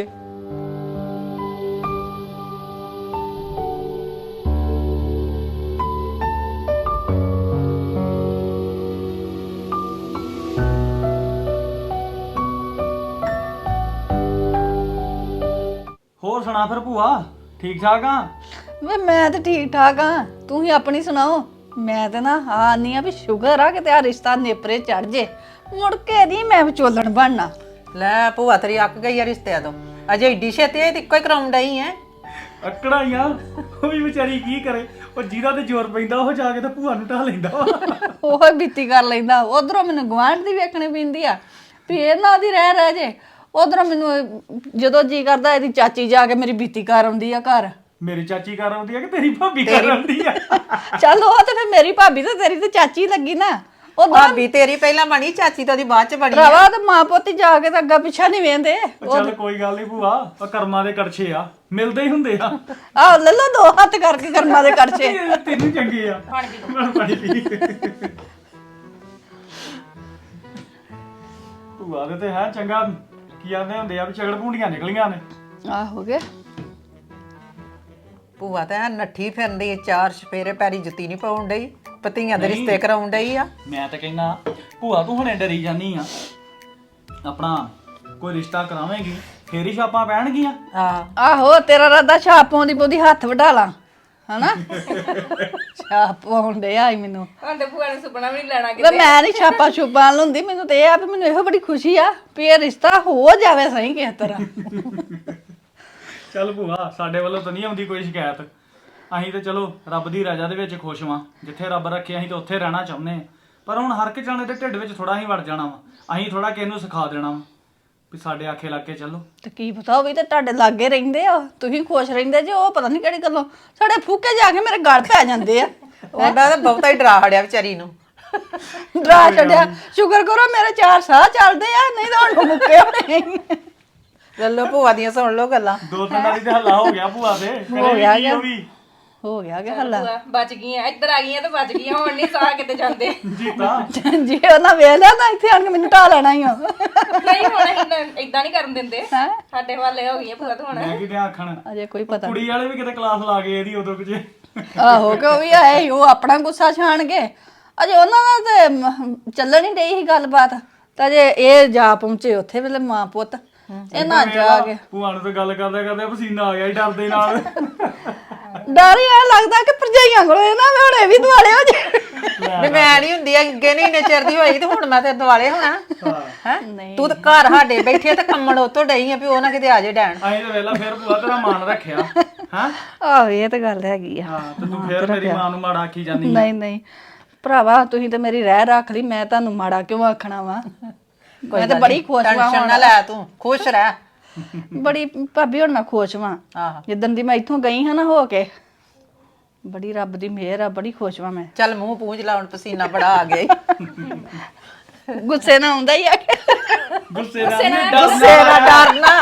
[SPEAKER 4] ਹੋਰ ਸੁਣਾ ਫਿਰ ਭੂਆ, ਠੀਕ ਠਾਕ ਆ?
[SPEAKER 5] ਵੇ ਮੈਂ ਤੇ ਠੀਕ ਠਾਕ ਆ, ਤੂੰ ਹੀ ਆਪਣੀ ਸੁਣਾਓ। ਮੈਂ ਤੇ ਨਾ ਆਨੀ ਆ ਵੀ ਸ਼ੁਗਰ ਆ ਕਿ ਤੇ ਆ ਰਿਸ਼ਤਾ ਨੇਪਰੇ ਚੜ ਜੇ, ਮੁੜ ਕੇ ਦੀ ਮੈਂ ਵਿਚੋਲਣ ਬਣਨਾ।
[SPEAKER 6] ਲੈ ਭੂਆ ਤੇਰੀ ਅੱਕ ਗਈ ਆ ਰਿਸ਼ਤਿਆਂ ਤੋਂ, ਅਜੇ ਏਡੀ ਛੇਤੀ ਇਹ ਤੇ ਇੱਕੋ ਹੀ ਕਰਾਉਣ ਡਈ ਐ।
[SPEAKER 4] ਅਕੜਾ ਹੀ ਆ ਉਹ ਵੀ ਵਿਚਾਰੀ ਕੀ ਕਰੇ ਉਹ ਜਿਹਦਾ ਤੇ ਜ਼ੋਰ ਪੈਂਦਾ ਉਹ ਜਾ ਕੇ ਤਾਂ ਭੂਆ ਨੂੰ ਢਾ ਲੈਂਦਾ ਵਾ।
[SPEAKER 5] ਉਹ ਬੀਤੀ ਕਰ ਲੈਂਦਾ। ਉਧਰੋਂ ਮੈਨੂੰ ਗੁਆਂਢ ਦੀ ਵੇਖਣੀ ਪੈਂਦੀ ਆ ਵੀ ਇਹ ਨਾ ਉਹਦੀ ਰਹਿ ਜੇ। ਉਧਰੋਂ ਮੈਨੂੰ ਜਦੋਂ ਜੀ ਕਰਦਾ ਇਹਦੀ ਚਾਚੀ ਜਾ ਕੇ ਮੇਰੀ ਬੀਤੀ ਕਰ ਆਉਂਦੀ ਆ ਘਰ।
[SPEAKER 4] ਮੇਰੀ ਚਾਚੀ ਕਰ ਆਉਂਦੀ ਆ ਕਿ ਤੇਰੀ ਭਾਬੀ ਕਰ ਆਉਂਦੀ ਆ?
[SPEAKER 5] ਚੱਲ ਉਹ ਤੇ ਫਿਰ ਮੇਰੀ ਭਾਬੀ ਤੇ ਤੇਰੀ ਤੇ ਚਾਚੀ ਲੱਗੀ ਨਾ। ਉਹ
[SPEAKER 6] ਭਾਬੀ ਤੇਰੀ ਪਹਿਲਾਂ ਬਣੀ, ਚਾਚੀ ਤਾਂ ਉਹਦੀ ਬਾਅਦ ਚ ਬਣੀ।
[SPEAKER 5] ਭਰਾਵਾ ਤੇ ਮਾਂ ਪੁੱਤ ਜਾ ਕੇ ਤਾਂ ਅੱਗਾ ਪਿੱਛਾ ਨਹੀਂ ਵੇਂਦੇ।
[SPEAKER 4] ਉਹ ਚੱਲ ਕੋਈ ਗੱਲ ਨਹੀਂ ਭੂਆ, ਉਹ ਕਰਮਾਂ ਦੇ ਕੜਛੇ ਆ, ਮਿਲਦੇ ਹੀ ਹੁੰਦੇ ਆ।
[SPEAKER 5] ਆਹ ਲੈ ਲਓ 2 ਹੱਥ ਕਰਕੇ ਕਰਮਾਂ ਦੇ ਕਰਛੇ।
[SPEAKER 4] ਤੈਨੂੰ ਚੰਗੇ ਆ ਪਾਣੀ ਪੀ। ਭੂਆ ਦੇ ਤੇ ਹੈ ਚੰਗਾ, ਕੀ ਆਂਦੇ ਹੁੰਦੇ ਆ ਵੀ ਝਗੜ ਭੂੰਡੀਆਂ ਨਿਕਲੀਆਂ ਨੇ।
[SPEAKER 5] ਆਹ ਹੋ ਗਿਆ।
[SPEAKER 6] ਭੂਆ ਤਾਂ ਐਨ ਨੱਠੀ ਫਿਰਦੀ, 4 ਸਪੇਰੇ ਪੈਰੀ ਜੁੱਤੀ ਨਹੀਂ ਪਾਉਣ ਡਈ, ਪਤੀਆਂ ਦੇ ਰਿਸ਼ਤੇ ਕਰਾਉਣ ਡਈ ਆ।
[SPEAKER 4] ਮੈਂ ਤਾਂ ਕਹਿੰਦਾ ਭੂਆ ਤੂੰ ਹੁਣੇ ਡਰੀ ਜਾਨੀ ਆ, ਆਪਣਾ ਕੋਈ ਰਿਸ਼ਤਾ ਕਰਾਵੇਂਗੀ ਫੇਰ ਹੀ ਛਾਪਾਂ ਪੈਣਗੀਆਂ।
[SPEAKER 5] ਆਹੋ ਤੇਰਾ ਰਾਦਾ ਛਾਪ ਪਾਉਂਦੀ ਪਉਂਦੀ ਹੱਥ ਵਢਾ ਲਾਂ ਹਨਾ। ਛਾਪ ਪਾਉਂਦੇ ਆਈ ਮੈਨੂੰ
[SPEAKER 7] ਤੁਹਾਡੇ ਭੂਆ ਨੇ ਸੁਪਨਾ ਵੀ ਨਹੀਂ ਲੈਣਾ
[SPEAKER 5] ਵੇ ਮੈਂ ਨਹੀਂ ਛਾਪਾ ਛੁਪਾਂ ਲੁੰਦੀ। ਮੈਨੂੰ ਤੇ ਇਹ ਆ ਵੀ ਮੈਨੂੰ ਇਹੋ ਬੜੀ ਖੁਸ਼ੀ ਆ ਵੀ ਇਹ ਰਿਸ਼ਤਾ ਹੋ ਜਾਵੇ ਸਹੀ ਕਿਸੇ ਤਰ੍ਹਾਂ।
[SPEAKER 4] ਚੱਲ ਭੂਆ ਸਾਡੇ ਵੱਲੋਂ ਤਾਂ ਨਹੀਂ ਆਉਂਦੀ ਕੋਈ ਸ਼ਿਕਾਇਤ। ਅਸੀਂ ਤਾਂ ਚਲੋ ਰੱਬ ਦੀ ਰਜ਼ਾ ਦੇ ਵਿੱਚ ਖੁਸ਼ ਵਾਂ, ਜਿੱਥੇ ਰੱਬ ਰੱਖੇ ਅਸੀਂ ਤਾਂ ਉੱਥੇ ਰਹਿਣਾ ਚਾਹੁੰਦੇ ਹਾਂ। ਪਰ ਹੁਣ ਹਰ ਇੱਕ ਜਾਣੇ ਦੇ ਢਿੱਡ ਵਿੱਚ ਥੋੜਾ ਹੀ ਵੜ ਜਾਣਾ ਵਾ, ਅਸੀਂ ਥੋੜਾ ਕਿਸੇ ਨੂੰ ਸਿਖਾ ਦੇਣਾ ਵਾ ਵੀ ਸਾਡੇ ਆਖੇ ਲੱਗ ਕੇ ਚੱਲੋ।
[SPEAKER 5] ਤੇ ਕੀ ਪਤਾ ਉਹ ਵੀ ਤੇ ਤੁਹਾਡੇ ਲਾਗੇ ਰਹਿੰਦੇ ਆ, ਤੁਸੀਂ ਖੁਸ਼ ਰਹਿੰਦੇ ਜੇ ਉਹ ਪਤਾ ਨਹੀਂ ਕਿਹੜੀ ਗੱਲੋਂ ਸਾਡੇ ਫੂਕੇ ਜਾ ਕੇ ਮੇਰੇ ਗਲ ਪੈ ਜਾਂਦੇ ਆ।
[SPEAKER 6] ਉਹਦਾ ਤਾਂ ਬਹੁਤਾ ਹੀ ਡਰਾ ਹੜਿਆ ਵਿਚਾਰੀ ਨੂੰ।
[SPEAKER 5] ਡਰਾ ਛੱਡਿਆ। ਸ਼ੁਕਰ ਕਰੋ ਮੇਰੇ 4 ਸਾਹ ਚੱਲਦੇ ਆ, ਨਹੀਂ ਤਾਂ ਹੁਣ ਮੁੱਕੇ ਹੋਣੇ।
[SPEAKER 6] ਲੱਲੋ ਭੂਆ ਦੀਆਂ ਸੁਣ ਲਓ ਗੱਲਾਂ।
[SPEAKER 4] 2 ਦਿਨਾਂ ਦੀ ਤੇ ਹੱਲਾ ਹੋ ਗਿਆ ਭੂਆ ਤੇ,
[SPEAKER 5] ਹੋ ਗਿਆ
[SPEAKER 4] ਕਰੇ ਉਹ ਵੀ
[SPEAKER 5] ਹੋ ਗਿਆ ਕਿ ਹੱਲਾ।
[SPEAKER 7] ਬਚ ਗਈਆਂ, ਇੱਧਰ ਆ ਗਈਆਂ ਤੇ ਬਚ ਗਈਆਂ, ਹੁਣ ਨਹੀਂ ਸਾਹ ਕਿਤੇ ਜਾਂਦੇ।
[SPEAKER 4] ਜੀਤਾ
[SPEAKER 5] ਜੇ ਉਹਨਾਂ ਵੇਖ ਲਿਆ ਤਾਂ ਇੱਥੇ ਆਣ ਕੇ ਮੈਨੂੰ ਢਾ ਲੈਣਾ ਹੀ ਆ।
[SPEAKER 7] ਨਹੀਂ ਹੁਣ ਇਦਾਂ ਨਹੀਂ ਕਰਨ ਦਿੰਦੇ, ਸਾਡੇ ਵਾਲੇ ਹੋ ਗਈਆਂ ਭੂਆ ਤੋਂ ਹੁਣ।
[SPEAKER 4] ਮੈਂ ਕਿਤੇ ਆਖਣ
[SPEAKER 5] ਅਜੇ ਕੋਈ ਪਤਾ
[SPEAKER 4] ਕੁੜੀ ਵਾਲੇ ਵੀ ਕਿਤੇ ਕਲਾਸ ਲਾ ਗਏ ਇਹਦੀ ਉਦੋਂ ਕੁਝ।
[SPEAKER 5] ਆਹੋ ਕਿ ਉਹ ਵੀ ਆਏ ਸੀ, ਉਹ ਆਪਣਾ ਗੁੱਸਾ ਛਾਣਗੇ। ਅਜੇ ਉਹਨਾਂ ਦਾ ਤੇ ਚੱਲਣ ਹੀ ਡਈ ਸੀ ਗੱਲਬਾਤ, ਤਾਂ ਜੇ ਇਹ ਜਾ ਪਹੁੰਚੇ ਉੱਥੇ ਵੇਲੇ ਮਾਂ ਪੁੱਤ ਇਹ ਨਾ ਜਾ ਕੇ।
[SPEAKER 4] ਭੂਆ ਨੂੰ ਤਾਂ ਗੱਲ ਕਰਦੇ ਕਰਦੇ ਪਸੀਨਾ ਆ ਗਿਆ ਡਰਦੇ ਨਾਲ।
[SPEAKER 5] ਡਰ ਹੀ ਆ ਲੱਗਦਾ ਕਿ ਭਰਜਾਈਆਂ ਕੋਲੇ ਨਾ ਮੈਂ ਹੁਣੇ ਵੀ ਦੁਆਲੇ ਹੋ ਜੇ।
[SPEAKER 6] ਵੀ ਮੈਂ ਨਹੀਂ ਹੁੰਦੀ ਅੱਗੇ ਨਹੀਂ ਇੰਨੇ ਚਿਰ ਦੀ ਹੋਈ ਤੇ ਹੁਣ ਮੈਂ ਤੇ ਦੁਆਲੇ ਹੋਣਾ ਹੈ। ਤੂੰ ਤਾਂ ਘਰ ਸਾਡੇ ਬੈਠੇ ਤੇ ਕੰਮਣ ਉਤੋਂ ਡਈ ਆ ਵੀ ਉਹ ਨਾ ਕਿਤੇ ਆ ਜੇ ਡੈਣ।
[SPEAKER 4] ਅਸੀਂ ਤਾਂ ਵੇਲਾ ਫਿਰ ਭੂਆ ਤੇਰਾ ਮਾਨ ਰੱਖਿਆ ਹਾਂ।
[SPEAKER 5] ਆਹੋ ਇਹ ਤਾਂ ਗੱਲ ਹੈਗੀ ਆ।
[SPEAKER 4] ਹਾਂ ਤੇ ਤੂੰ ਫਿਰ ਮੇਰੀ ਮਾਂ ਨੂੰ ਮਾੜਾ ਆਖੀ ਜਾਂਦੀ।
[SPEAKER 5] ਨਹੀਂ ਨਹੀਂ ਭਰਾਵਾ ਤੁਸੀਂ ਤੇ ਮੇਰੀ ਰਹਿ ਰੱਖ ਲਈ, ਮੈਂ ਤੁਹਾਨੂੰ ਮਾੜਾ ਕਿਉਂ ਆਖਣਾ ਵਾ। ਮੈਂ ਤਾਂ ਬੜੀ ਖੁਸ਼ ਵਾਂ
[SPEAKER 6] ਟੈਨਸ਼ਨ ਨਾ ਲੈ, ਤੂੰ ਖੁਸ਼ ਰਹਿ।
[SPEAKER 5] ਬੜੀ ਭਾਬੀ ਹੁਣ ਮੈਂ ਖੁਸ਼ ਵਾਂ।
[SPEAKER 6] ਆਹੋ
[SPEAKER 5] ਜਿੱਦਣ ਦੀ ਮੈਂ ਇੱਥੋਂ ਗਈ ਹਾਂ ਨਾ ਹੋ ਕੇ, ਬੜੀ ਰੱਬ ਦੀ ਮਿਹਰ ਆ, ਬੜੀ ਖੁਸ਼ ਵਾਂ ਮੈਂ।
[SPEAKER 6] ਚੱਲ ਮੂੰਹ ਪੂੰਝ ਲਾ, ਹੁਣ ਪਸੀਨਾ ਬੜਾ ਆ ਗਿਆ ਈ।
[SPEAKER 5] ਗੁੱਸੇ ਨਾਲ ਆਉਂਦਾ ਹੀ ਆ ਕੇ।
[SPEAKER 4] ਗੁੱਸੇ ਨਾਲ
[SPEAKER 6] ਗੁੱਸੇ ਨਾਲ ਡਰਨਾ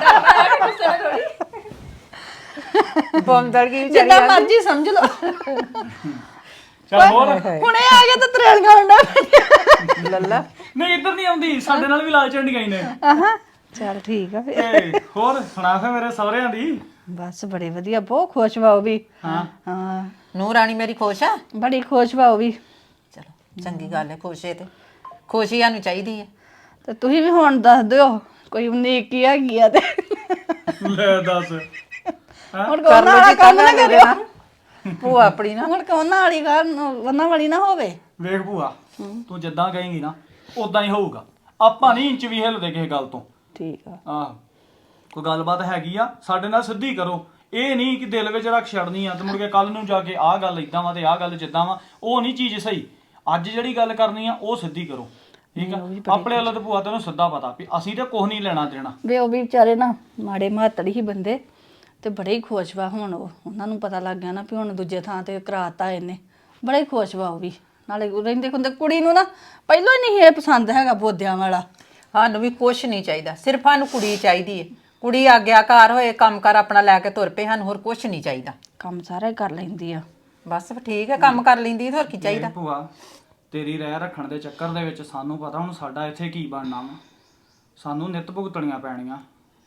[SPEAKER 6] ਬੰਦੜ ਕੀ
[SPEAKER 5] ਜਿੰਨਾ ਮਰਜ਼ੀ ਸਮਝ ਲਓ।
[SPEAKER 4] ਚੱਲ ਹੋਰ
[SPEAKER 5] ਹੁਣੇ ਆ ਕੇ ਤਾਂ ਤਰੇਲੀਆਂ ਹੁੰਦਾ
[SPEAKER 6] ਲੱਲਾ।
[SPEAKER 4] ਨਹੀਂ ਇੱਧਰ ਨਹੀਂ ਆਉਂਦੀ, ਸਾਡੇ ਨਾਲ ਵੀ ਲਾਲ ਝੰਡੀਆਂ ਹੀ ਨੇ।
[SPEAKER 5] ਆਹਾਂ ਚੱਲ ਠੀਕ ਆ ਫਿਰ।
[SPEAKER 4] ਤੇ ਹੋਰ ਸੁਣਾ ਫੇ ਮੇਰੇ ਸਹੁਰਿਆਂ ਦੀ।
[SPEAKER 5] ਬਸ ਬੜੇ ਵਧੀਆ, ਬਹੁਤ ਖੁਸ਼ ਵਾ ਉਹ ਵੀ।
[SPEAKER 4] ਹਾਂ
[SPEAKER 5] ਹਾਂ
[SPEAKER 6] ਨੂੰਹ ਰਾਣੀ ਮੇਰੀ ਖੁਸ਼ ਆ।
[SPEAKER 5] ਬੜੀ ਖੁਸ਼ ਵਾ ਉਹ ਵੀ।
[SPEAKER 6] ਚਲੋ ਚੰਗੀ ਗੱਲ ਹੈ, ਖੁਸ਼ ਹੈ ਤੇ ਖੁਸ਼ੀ ਸਾਨੂੰ ਚਾਹੀਦੀ ਹੈ।
[SPEAKER 5] ਤੇ ਤੁਸੀਂ ਵੀ ਹੁਣ ਦੱਸ ਦਿਓ ਕੋਈ ਨੇਕੀ ਹੈਗੀ ਆ ਤੇ
[SPEAKER 4] ਲੈ ਦੱਸ।
[SPEAKER 5] ਹੁਣ ਕੋਨਾ ਵਾਲਾ ਕੰਮ ਨਾ ਕਰਿਓ।
[SPEAKER 6] ਭੂਆ ਆਪਣੀ ਨਾ
[SPEAKER 5] ਹੁਣ ਕੋਨਾ ਵਾਲੀ ਗੱਲ ਉਹਨਾਂ ਵਾਲੀ ਨਾ ਹੋਵੇ।
[SPEAKER 4] ਵੇਖ ਭੂਆ ਤੂੰ ਜਿੱਦਾਂ ਕਹੇਂਗੀ ਨਾ ਉਦਾਂ ਹੀ ਹੋਊਗਾ। ਆਪਾਂ ਨਹੀਂ ਇੰਚ ਵੀ ਹਿੱਲਦੇ ਕਿਸੇ ਗੱਲ ਤੋਂ।
[SPEAKER 5] ਠੀਕ ਆ।
[SPEAKER 4] ਆਹ ਕੋਈ ਗੱਲਬਾਤ ਹੈਗੀ ਆ ਸਾਡੇ ਨਾਲ ਸਿੱਧੀ ਕਰੋ, ਇਹ ਨਹੀਂ ਕਿ ਦਿਲ ਵਿੱਚ ਰੱਖ ਛੱਡਣੀ ਆ ਤੇ ਮੁੜ ਕੇ ਕੱਲ ਨੂੰ ਜਾ ਕੇ ਆਹ ਗੱਲ ਇਦਾਂ ਵਾ ਤੇ ਆਹ ਗੱਲ ਜਿੱਦਾਂ ਵਾ, ਉਹ ਨਹੀਂ ਚੀਜ਼ ਸਹੀ। ਅੱਜ ਜਿਹੜੀ ਗੱਲ ਕਰਨੀ ਆ ਉਹ ਸਿੱਧੀ ਕਰੋ, ਠੀਕ ਆ। ਆਪਣੇ ਵੱਲੋਂ ਤਾਂ ਭੂਆ ਤੈਨੂੰ ਸਿੱਧਾ ਪਤਾ ਵੀ ਅਸੀਂ ਤੇ ਕੁਝ ਨਹੀਂ ਲੈਣਾ ਦੇਣਾ।
[SPEAKER 5] ਵੇ ਉਹ ਵੀ ਵਿਚਾਰੇ ਨਾ ਮਾੜੇ ਮਾਤੜ ਹੀ ਬੰਦੇ ਤੇ ਬੜੇ ਹੀ ਖੁਸ਼ ਵਾ ਹੁਣ। ਉਹਨਾਂ ਨੂੰ ਪਤਾ ਲੱਗ ਗਿਆ ਨਾ ਵੀ ਹੁਣ ਦੂਜੇ ਥਾਂ ਤੇ ਕਰਾਤਾ ਇਹਨੇ। ਬੜੇ ਹੀ ਖੁਸ਼ ਵਾ ਉਹ ਵੀ। ਨਾਲੇ ਰਹਿੰਦੇ ਹੁੰਦੇ ਕੁੜੀ ਨੂੰ ਨਾ ਪਹਿਲਾਂ ਹੀ ਨਹੀਂ ਇਹ ਪਸੰਦ ਹੈਗਾ ਬੋਦਿਆਂ ਵਾਲਾ।
[SPEAKER 6] ਸਾਨੂੰ ਵੀ ਕੁਛ ਨਹੀਂ ਚਾਹੀਦਾ, ਸਿਰਫ ਸਾਨੂੰ ਕੁੜੀ ਚਾਹੀਦੀ ਹੈ। ਕੁੜੀ ਆਗਿਆਕਾਰ ਹੋਏ, ਕੰਮ ਕਰ ਆਪਣਾ ਲੈ ਕੇ ਤੁਰ ਪਏ, ਸਾਨੂੰ ਹੋਰ ਕੁਛ ਨਹੀਂ ਚਾਹੀਦਾ।
[SPEAKER 5] ਕੰਮ ਸਾਰਾ ਹੀ ਕਰ ਲੈਂਦੀ ਆ।
[SPEAKER 6] ਬਸ ਠੀਕ ਹੈ, ਕੰਮ ਕਰ ਲੈਂਦੀ ਹੋਰ ਕੀ ਚਾਹੀਦਾ।
[SPEAKER 4] ਭੂਆ ਤੇਰੀ ਰਹਿ ਰੱਖਣ ਦੇ ਚੱਕਰ ਦੇ ਵਿੱਚ ਸਾਨੂੰ ਪਤਾ ਹੁਣ ਸਾਡਾ ਇੱਥੇ ਕੀ ਬਣਨਾ ਵਾ। ਸਾਨੂੰ ਨਿੱਤ ਭੁਗਤਣੀਆਂ ਪੈਣੀਆਂ।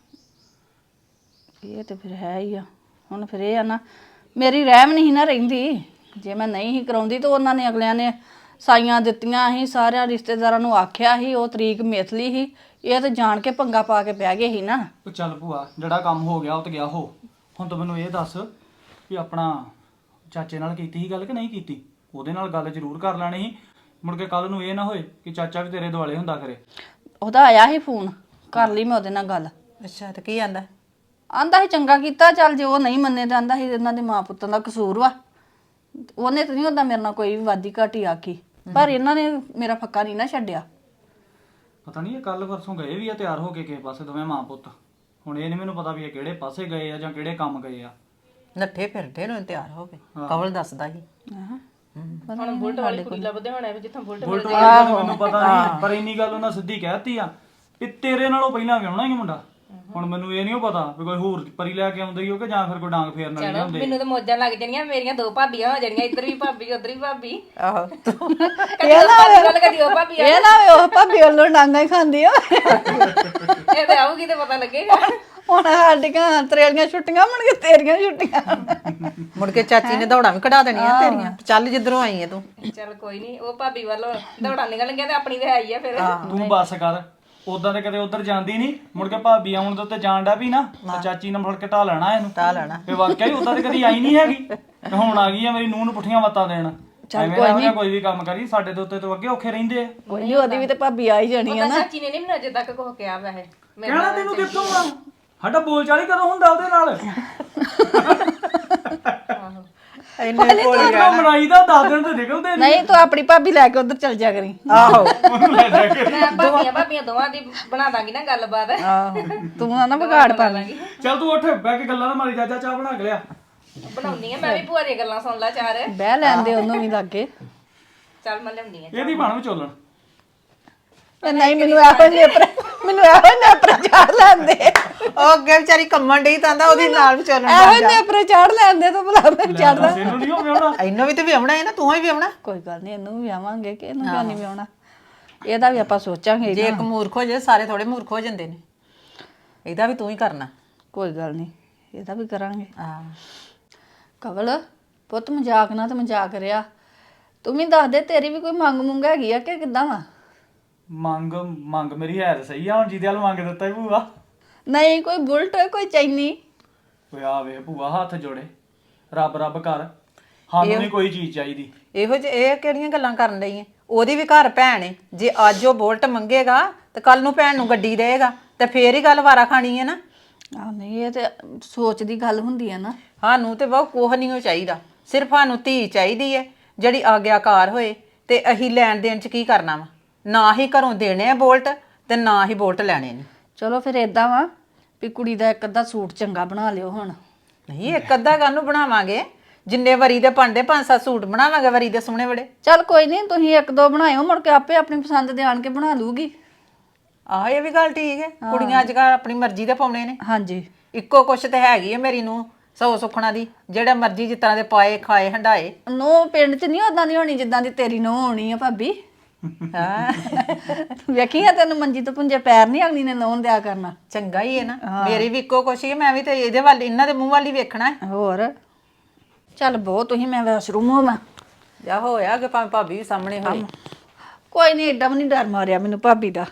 [SPEAKER 5] ਇਹ ਤੇ ਫਿਰ ਹੈ ਹੀ ਆ। ਹੁਣ ਫਿਰ ਇਹ ਆ ਨਾ ਮੇਰੀ ਰਹਿਮ ਨਹੀਂ ਨਾ ਰਹਿੰਦੀ। ਜੇ ਮੈਂ ਨਹੀਂ ਹੀ ਕਰਾਉਂਦੀ ਤਾਂ ਉਹਨਾਂ ਨੇ ਅਗਲਿਆਂ ਨੇ ਸਾਈਆਂ ਦਿੱਤੀਆਂ ਸੀ, ਸਾਰਿਆਂ ਰਿਸ਼ਤੇਦਾਰਾਂ ਨੂੰ ਆਖਿਆ ਸੀ, ਉਹ ਤਰੀਕ ਮਿਥ ਲਈ ਸੀ। ਇਹ ਤਾਂ ਜਾਣ ਕੇ ਪੰਗਾ ਪਾ ਕੇ ਬਹਿ ਗਏ ਸੀ ਨਾ।
[SPEAKER 4] ਉਹ ਚੱਲ ਭੂਆ ਜਿਹੜਾ ਕੰਮ ਹੋ ਗਿਆ ਉਹ ਤੇ ਗਿਆ ਹੋ। ਹੁਣ ਤੂੰ ਮੈਨੂੰ ਇਹ ਦੱਸ ਵੀ ਆਪਣਾ ਚਾਚੇ ਨਾਲ ਕੀਤੀ ਸੀ ਗੱਲ ਕਿ ਨਹੀਂ ਕੀਤੀ? ਉਹਦੇ ਨਾਲ ਗੱਲ ਜ਼ਰੂਰ ਕਰ ਲੈਣੀ ਸੀ, ਮੁੜ ਕੇ ਕੱਲ ਨੂੰ ਇਹ ਨਾ ਹੋਏ ਕਿ ਚਾਚਾ ਵੀ ਤੇਰੇ ਦੁਆਲੇ ਹੁੰਦਾ ਕਰੇ।
[SPEAKER 5] ਉਹਦਾ ਆਇਆ ਸੀ ਫੋਨ, ਕਰ ਲਈ ਮੈਂ ਉਹਦੇ ਨਾਲ ਗੱਲ।
[SPEAKER 6] ਅੱਛਾ ਤੇ ਕੀ ਆਂਦਾ?
[SPEAKER 5] ਆਂਦਾ ਸੀ ਚੰਗਾ ਕੀਤਾ, ਚੱਲ ਜੇ ਉਹ ਨਹੀਂ ਮੰਨੇ ਤਾਂ ਆਂਦਾ ਸੀ ਇਹਨਾਂ ਦੇ ਮਾਂ ਪੁੱਤਾਂ ਦਾ ਕਸੂਰ ਵਾ। ਉਹਨੇ ਤਾਂ ਨਹੀਂ ਹੁੰਦਾ ਮੇਰੇ ਨਾਲ ਕੋਈ ਵੀ ਵਾਦੀ ਘਾਟੀ ਆਖੀ, ਪਰ ਇਹਨਾਂ ਨੇ ਮੇਰਾ ਫੱਕਾ ਨਹੀਂ ਨਾ ਛੱਡਿਆ।
[SPEAKER 4] ਪਤਾ ਨਹੀਂ ਇਹ ਕੱਲ ਪਰਸੋਂ ਗਏ ਵੀ ਆ ਤਿਆਰ ਹੋ ਕੇ ਕਿਸੇ ਪਾਸੇ ਦੋਵੇਂ ਮਾਂ ਪੁੱਤ। ਹੁਣ ਇਹ ਨਹੀਂ ਮੈਨੂੰ ਪਤਾ ਵੀ ਇਹ ਕਿਹੜੇ ਪਾਸੇ ਗਏ ਆ ਜਾਂ ਕਿਹੜੇ ਕੰਮ ਗਏ ਆ।
[SPEAKER 6] ਨੱਠੇ ਫਿਰਦੇ ਨੇ ਤਿਆਰ ਹੋ ਕੇ, ਕਵਲ ਦੱਸਦਾ ਸੀ।
[SPEAKER 7] ਹੁਣ ਬੁਲਟ ਵਾਲੀ ਕੁੜੀ ਲੱਭਦੇ ਹੋਣੇ ਵੀ ਜਿੱਥੋਂ ਬੁਲਟ
[SPEAKER 4] ਬੁਲਟ ਵਾਲੀ ਦਾ ਮੈਨੂੰ ਪਤਾ ਨਹੀਂ, ਪਰ ਇੰਨੀ ਗੱਲ ਉਹਨਾਂ ਸਿੱਧੀ ਕਹਿਤੀ ਆ ਵੀ ਤੇਰੇ ਨਾਲੋਂ ਪਹਿਲਾਂ ਵਿਆਹਣਾ ਹੀ ਮੁੰਡਾ। ਹੁਣ ਮੈਨੂੰ ਇਹ ਨਹੀਂ ਪਤਾ ਵੀ ਕੋਈ ਹੋਰ ਪਰੀ ਲੈ ਕੇ ਆਉਂਦੇ ਹੀ ਹੋ ਕਿ ਜਾਂ ਫਿਰ ਕੋਈ ਡਾਂਗ ਫੇਰਨ ਵਾਲੇ ਹੁੰਦੇ।
[SPEAKER 7] ਮੈਨੂੰ ਤਾਂ ਮੌਜਾਂ ਲੱਗ ਜਾਣੀਆਂ, ਮੇਰੀਆਂ 2 ਭਾਬੀਆਂ ਹੋ ਜਾਣੀਆਂ, ਇੱਧਰ ਵੀ ਭਾਬੀ ਉੱਧਰ ਵੀ ਭਾਬੀ।
[SPEAKER 6] ਆਹੋ
[SPEAKER 7] ਕਦੀ ਉਹ ਭਾਬੀ ਵੱਲ ਕਦੀ ਉਹ ਭਾਬੀ
[SPEAKER 5] ਇਹ ਨਾ ਵੇ ਉਹ ਭਾਬੀ ਵੱਲੋਂ ਡਾਂਗਾ ਹੀ ਖਾਂਦੀ ਆ।
[SPEAKER 7] ਇਹ ਤੇ ਆਊਗੀ ਤੇ ਪਤਾ ਲੱਗੇਗਾ।
[SPEAKER 5] ਹੁਣ ਸਾਡੀਆਂ ਤਰੇਲੀਆਂ ਛੁੱਟੀਆਂ ਮੁੜ ਕੇ ਤੇਰੀਆਂ ਛੁੱਟੀਆਂ।
[SPEAKER 6] ਮੁੜ ਕੇ ਚਾਚੀ ਨੇ ਦੌੜਾਂ ਵੀ ਕਢਾ ਦੇਣੀਆਂ ਤੇਰੀਆਂ, ਚੱਲ ਜਿੱਧਰੋਂ ਆਈ ਹੈ ਤੂੰ।
[SPEAKER 7] ਚੱਲ ਕੋਈ ਨਹੀਂ, ਉਹ ਭਾਬੀ ਵੱਲੋਂ ਦੌੜਾਂ ਨਿਕਲ ਗਿਆ ਤੇ ਆਪਣੀ ਤੇ ਆਈ ਆ ਫਿਰ।
[SPEAKER 4] ਤੂੰ ਬੱਸ ਕਰ, ਉਦਾਂ ਤੇ ਕਦੇ ਉਧਰ ਜਾਂਦੀ ਨਹੀਂ, ਮੁੜ ਕੇ ਭਾਬੀ ਆਉਣ ਦੇ ਉੱਤੇ ਜਾਣ ਡਾ ਵੀ ਨਾ ਤੇ ਚਾਚੀ ਨੇ ਫੜ ਕੇ ਢਾ ਲੈਣਾ ਇਹਨੂੰ।
[SPEAKER 6] ਢਾ ਲੈਣਾ
[SPEAKER 4] ਤੇ ਵਾਕਿਆ ਹੀ ਉਦਾਂ ਤੇ ਕਦੀ ਆਈ ਨਹੀਂ ਹੈਗੀ, ਤੇ ਹੁਣ ਆ ਗਈ ਆ ਮੇਰੀ ਨੂੰਹ ਨੂੰ ਪੁੱਠੀਆਂ ਮੱਤਾਂ ਦੇਣ। ਐਵੇਂ ਕੋਈ ਵੀ ਕੰਮ ਕਰੀ ਸਾਡੇ ਦੇ ਉੱਤੇ ਤੋਂ ਅੱਗੇ ਔਖੇ ਰਹਿੰਦੇ ਆ।
[SPEAKER 5] ਕੋਈ ਨਹੀਂ, ਉਹਦੀ ਵੀ ਤੇ ਭਾਬੀ ਆ ਹੀ ਜਾਣੀ ਆ ਨਾ।
[SPEAKER 7] ਚਾਚੀ ਨੇ ਨਹੀਂ ਮੈਨੂੰ ਅਜੇ ਤੱਕ ਕੁਝ ਕਿਹਾ ਵੈਸੇ।
[SPEAKER 4] ਕਹਿਣਾ ਤੈਨੂੰ ਕਿੱਥੋਂ ਆ? ਸਾਡਾ ਬੋਲ ਚਾਲ ਹੀ ਕਦੋਂ ਹੁੰਦਾ ਉਹਦੇ ਨਾਲ?
[SPEAKER 6] ਇੰਨੇ ਕੋਲ
[SPEAKER 4] ਕਿੰਨਾ ਮਨਾਈਦਾ 10 ਦਿਨ ਤੇ ਨਿਕਲਦੇ ਨਹੀਂ।
[SPEAKER 5] ਨਹੀਂ, ਤੂੰ ਆਪਣੀ ਭਾਬੀ ਲੈ ਕੇ ਉਧਰ ਚੱਲ ਜਾ ਕਰੀ।
[SPEAKER 6] ਆਹੋ
[SPEAKER 7] ਮੈਂ ਭਾਬੀਆਂ ਦੋਵਾਂ ਦੀ ਬਣਾ ਦਾਂਗੀ ਨਾ ਗੱਲਬਾਤ।
[SPEAKER 5] ਆਹੋ, ਤੂੰ ਨਾ ਵਿਗਾੜ ਪਾ ਲਈ।
[SPEAKER 4] ਚੱਲ ਤੂੰ ਉੱਠ ਬਹਿ ਕੇ ਗੱਲਾਂ ਨਾ ਮਾਰੀ, ਚਾਚਾ ਚਾਹ ਬਣਾ ਕੇ ਲਿਆ।
[SPEAKER 7] ਬਣਾਉਣੀ ਆ ਮੈਂ ਵੀ ਭੂਆ ਦੀਆਂ ਗੱਲਾਂ ਸੁਣ ਲਾ ਚਾਰ।
[SPEAKER 5] ਬਹਿ ਲੈਂਦੇ ਉਹਨੂੰ ਵੀ ਲੱਗੇ।
[SPEAKER 7] ਚੱਲ ਮੈਂ ਲਿਆਉਂਦੀ ਆ।
[SPEAKER 4] ਇਹਦੀ ਬਣ ਵਿਚੋਲਣ।
[SPEAKER 5] ਨਹੀਂ, ਮੈਨੂੰ ਇਹੋ ਨੇਪਰੇ ਚਾੜ ਲੈਂਦੇ।
[SPEAKER 6] ਉਹ ਅੱਗੇ ਵਿਚਾਰੀ ਕੰਮਣ ਡਈ ਤਾਂ ਉਹਦੀ ਨਾਲ ਵੀ ਚੱਲਣ
[SPEAKER 5] ਇਹੋ ਨੇਪਰੇ ਚਾੜ ਲੈਂਦੇ ਤੂੰ ਬੁਲਾ ਮੈਂ ਚੜਦਾ।
[SPEAKER 4] ਇਹਨੂੰ ਨਹੀਂ ਹੋ ਵਿਆਹਣਾ।
[SPEAKER 6] ਇਹਨੂੰ ਵੀ ਤੇ ਵਿਆਹਣਾ ਹੈ ਨਾ, ਤੂੰ ਹੀ ਵਿਆਹਣਾ।
[SPEAKER 5] ਕੋਈ ਗੱਲ ਨਹੀਂ, ਇਹਨੂੰ ਵੀ ਆਵਾਂਗੇ ਕਿ ਇਹਨੂੰ ਕਿਉਂ ਨਹੀਂ ਵਿਆਹਣਾ। ਇਹਦਾ ਵੀ ਆਪਾਂ ਸੋਚਾਂਗੇ।
[SPEAKER 6] ਜੇ ਇੱਕ ਮੂਰਖ ਹੋ ਜਾਏ ਸਾਰੇ ਥੋੜੇ ਮੂਰਖ ਹੋ ਜਾਂਦੇ ਨੇ। ਇਹਦਾ ਵੀ ਤੂੰ ਹੀ ਕਰਨਾ।
[SPEAKER 5] ਕੋਈ ਗੱਲ ਨਹੀਂ, ਇਹਦਾ ਵੀ ਕਰਾਂਗੇ।
[SPEAKER 6] ਹਾਂ
[SPEAKER 5] ਕਵਲ ਪੁੱਤ, ਮਜ਼ਾਕ ਨਾ ਤੇ ਮਜ਼ਾਕ ਰਿਆ। ਤੂੰ ਵੀ ਦੱਸ ਦੇ, ਤੇਰੀ ਵੀ ਕੋਈ ਮੰਗ ਮੁੰਗ ਹੈਗੀ ਆ ਕਿ ਕਿੱਦਾਂ ਵਾ?
[SPEAKER 4] ਮੰਗ ਮੇਰੀ ਹੈ ਤਾਂ ਸਹੀ ਆ, ਹੁਣ ਜਿਹਦੇ ਵੱਲ ਮੰਗ ਦਿੱਤਾ ਹੀ ਭੂਆ।
[SPEAKER 5] ਨਹੀਂ, ਕੋਈ ਬੁਲਟ ਕੋਈ ਚੈਨੀ।
[SPEAKER 4] ਓਏ ਆ ਵੇ ਭੂਆ, ਹੱਥ ਜੋੜੇ, ਰੱਬ ਰੱਬ ਕਰ, ਸਾਨੂੰ ਨਹੀਂ ਕੋਈ ਚੀਜ਼ ਚਾਹੀਦੀ।
[SPEAKER 6] ਇਹੋ ਜਿਹੇ ਇਹ ਕਿਹੜੀਆਂ ਗੱਲਾਂ ਕਰਨ ਲਈ ਹੈ? ਉਹਦੀ ਵੀ ਘਰ ਭੈਣ ਹੈ। ਜੇ ਅੱਜ ਉਹ ਬੁਲਟ ਮੰਗੇਗਾ ਤੇ ਕੱਲ ਨੂੰ ਭੈਣ ਨੂੰ ਗੱਡੀ ਦੇਗਾ ਤੇ ਫੇਰ ਹੀ ਗੱਲ ਵਾਰਾ ਖਾਣੀ ਹੈ ਨਾ।
[SPEAKER 5] ਆਹ ਨਹੀਂ, ਇਹ ਤੇ ਸੋਚ ਦੀ ਗੱਲ ਹੁੰਦੀ ਹੈ ਨਾ।
[SPEAKER 6] ਸਾਨੂੰ ਤੇ ਬਹੁਤ ਕੋਹ ਨਹੀਂ ਉਹ ਚਾਹੀਦਾ, ਸਿਰਫ ਸਾਨੂੰ ਧੀ ਚਾਹੀਦੀ ਹੈ ਜਿਹੜੀ ਆਗਿਆਕਾਰ ਹੋਏ। ਤੇ ਅਸੀਂ ਲੈਣ ਦੇਣ ਚ ਕੀ ਕਰਨਾ ਵਾ? ਨਾ ਹੀ ਘਰੋਂ ਦੇਣੇ ਆ ਬੋਲਟ ਤੇ ਨਾ ਹੀ ਬੋਲਟ ਲੈਣੇ ਨੇ।
[SPEAKER 5] ਚਲੋ ਫਿਰ ਏਦਾਂ ਵਾ ਵੀ ਕੁੜੀ ਦਾ ਇੱਕ ਅੱਧਾ ਸੂਟ ਚੰਗਾ ਬਣਾ ਲਿਓ ਹੁਣ।
[SPEAKER 6] ਨਹੀਂ, ਇੱਕ ਅੱਧਾ ਕਾਹਨੂੰ ਬਣਾਵਾਂਗੇ? ਜਿੰਨੇ ਵਰੀ ਦੇ ਭਾਂਡੇ 5-7 ਸੂਟ ਬਣਾਵਾਂਗੇ ਵਰੀ ਦੇ ਸੋਹਣੇ ਬੜੇ।
[SPEAKER 5] ਚੱਲ ਕੋਈ ਨਹੀਂ, ਤੁਸੀਂ ਇੱਕ ਦੋ ਬਣਾਇਓ, ਮੁੜ ਕੇ ਆਪੇ ਆਪਣੀ ਪਸੰਦ ਦੇ ਆਣ ਕੇ ਬਣਾ ਲੂਗੀ।
[SPEAKER 6] ਆਹ ਇਹ ਵੀ ਗੱਲ ਠੀਕ ਹੈ, ਕੁੜੀਆਂ ਅੱਜ ਕੱਲ੍ਹ ਆਪਣੀ ਮਰਜ਼ੀ ਦੇ ਪਾਉਣੇ ਨੇ।
[SPEAKER 5] ਹਾਂਜੀ,
[SPEAKER 6] ਇੱਕੋ ਕੁਛ ਤੇ ਹੈਗੀ ਹੈ ਮੇਰੀ ਨੂੰ ਸੌ ਸੁਖਣਾ ਦੀ, ਜਿਹੜਾ ਮਰਜ਼ੀ ਜਿਸ ਤਰ੍ਹਾਂ ਦੇ ਪਾਏ ਖਾਏ ਹੰਡਾਏ।
[SPEAKER 5] ਨੋ ਪਿੰਡ 'ਚ ਨਹੀਂ ਉਦਾਂ ਦੀ ਹੋਣੀ ਜਿੱਦਾਂ ਦੀ ਤੇਰੀ ਨੋ ਹੋਣੀ ਆ ਭਾਬੀ।
[SPEAKER 6] ਹਾਂ
[SPEAKER 5] ਵੇਖੀ ਆ ਤੈਨੂੰ ਮੰਜੀ ਤੋਂ ਪੁੰਜੇ ਪੈਰ ਨਹੀਂ ਅਗਲੀ ਨੇ ਲਾਉਣ ਦਿਆ ਕਰਨਾ।
[SPEAKER 6] ਚੰਗਾ ਹੀ ਹੈ ਨਾ, ਮੇਰੀ ਵੀ ਇੱਕੋ ਕੁਛ ਹੀ ਹੈ। ਮੈਂ ਵੀ ਤੇ ਇਹਦੇ ਵੱਲ, ਇਹਨਾਂ ਦੇ ਮੂੰਹ ਵੱਲ ਹੀ ਵੇਖਣਾ ਹੈ।
[SPEAKER 5] ਹੋਰ ਚੱਲ ਬਹੁਤ, ਤੁਸੀਂ ਮੈਂ ਵਾਸ਼ਰੂਮ ਹੋਵਾਂ।
[SPEAKER 6] ਜਾ ਹੋਇਆ ਕਿ ਭਾਵੇਂ ਭਾਬੀ ਵੀ ਸਾਹਮਣੇ ਹੋਏ।
[SPEAKER 5] ਕੋਈ ਨਹੀਂ, ਏਡਾ ਵੀ ਨਹੀਂ ਡਰ ਮਾਰਿਆ ਮੈਨੂੰ ਭਾਬੀ ਦਾ।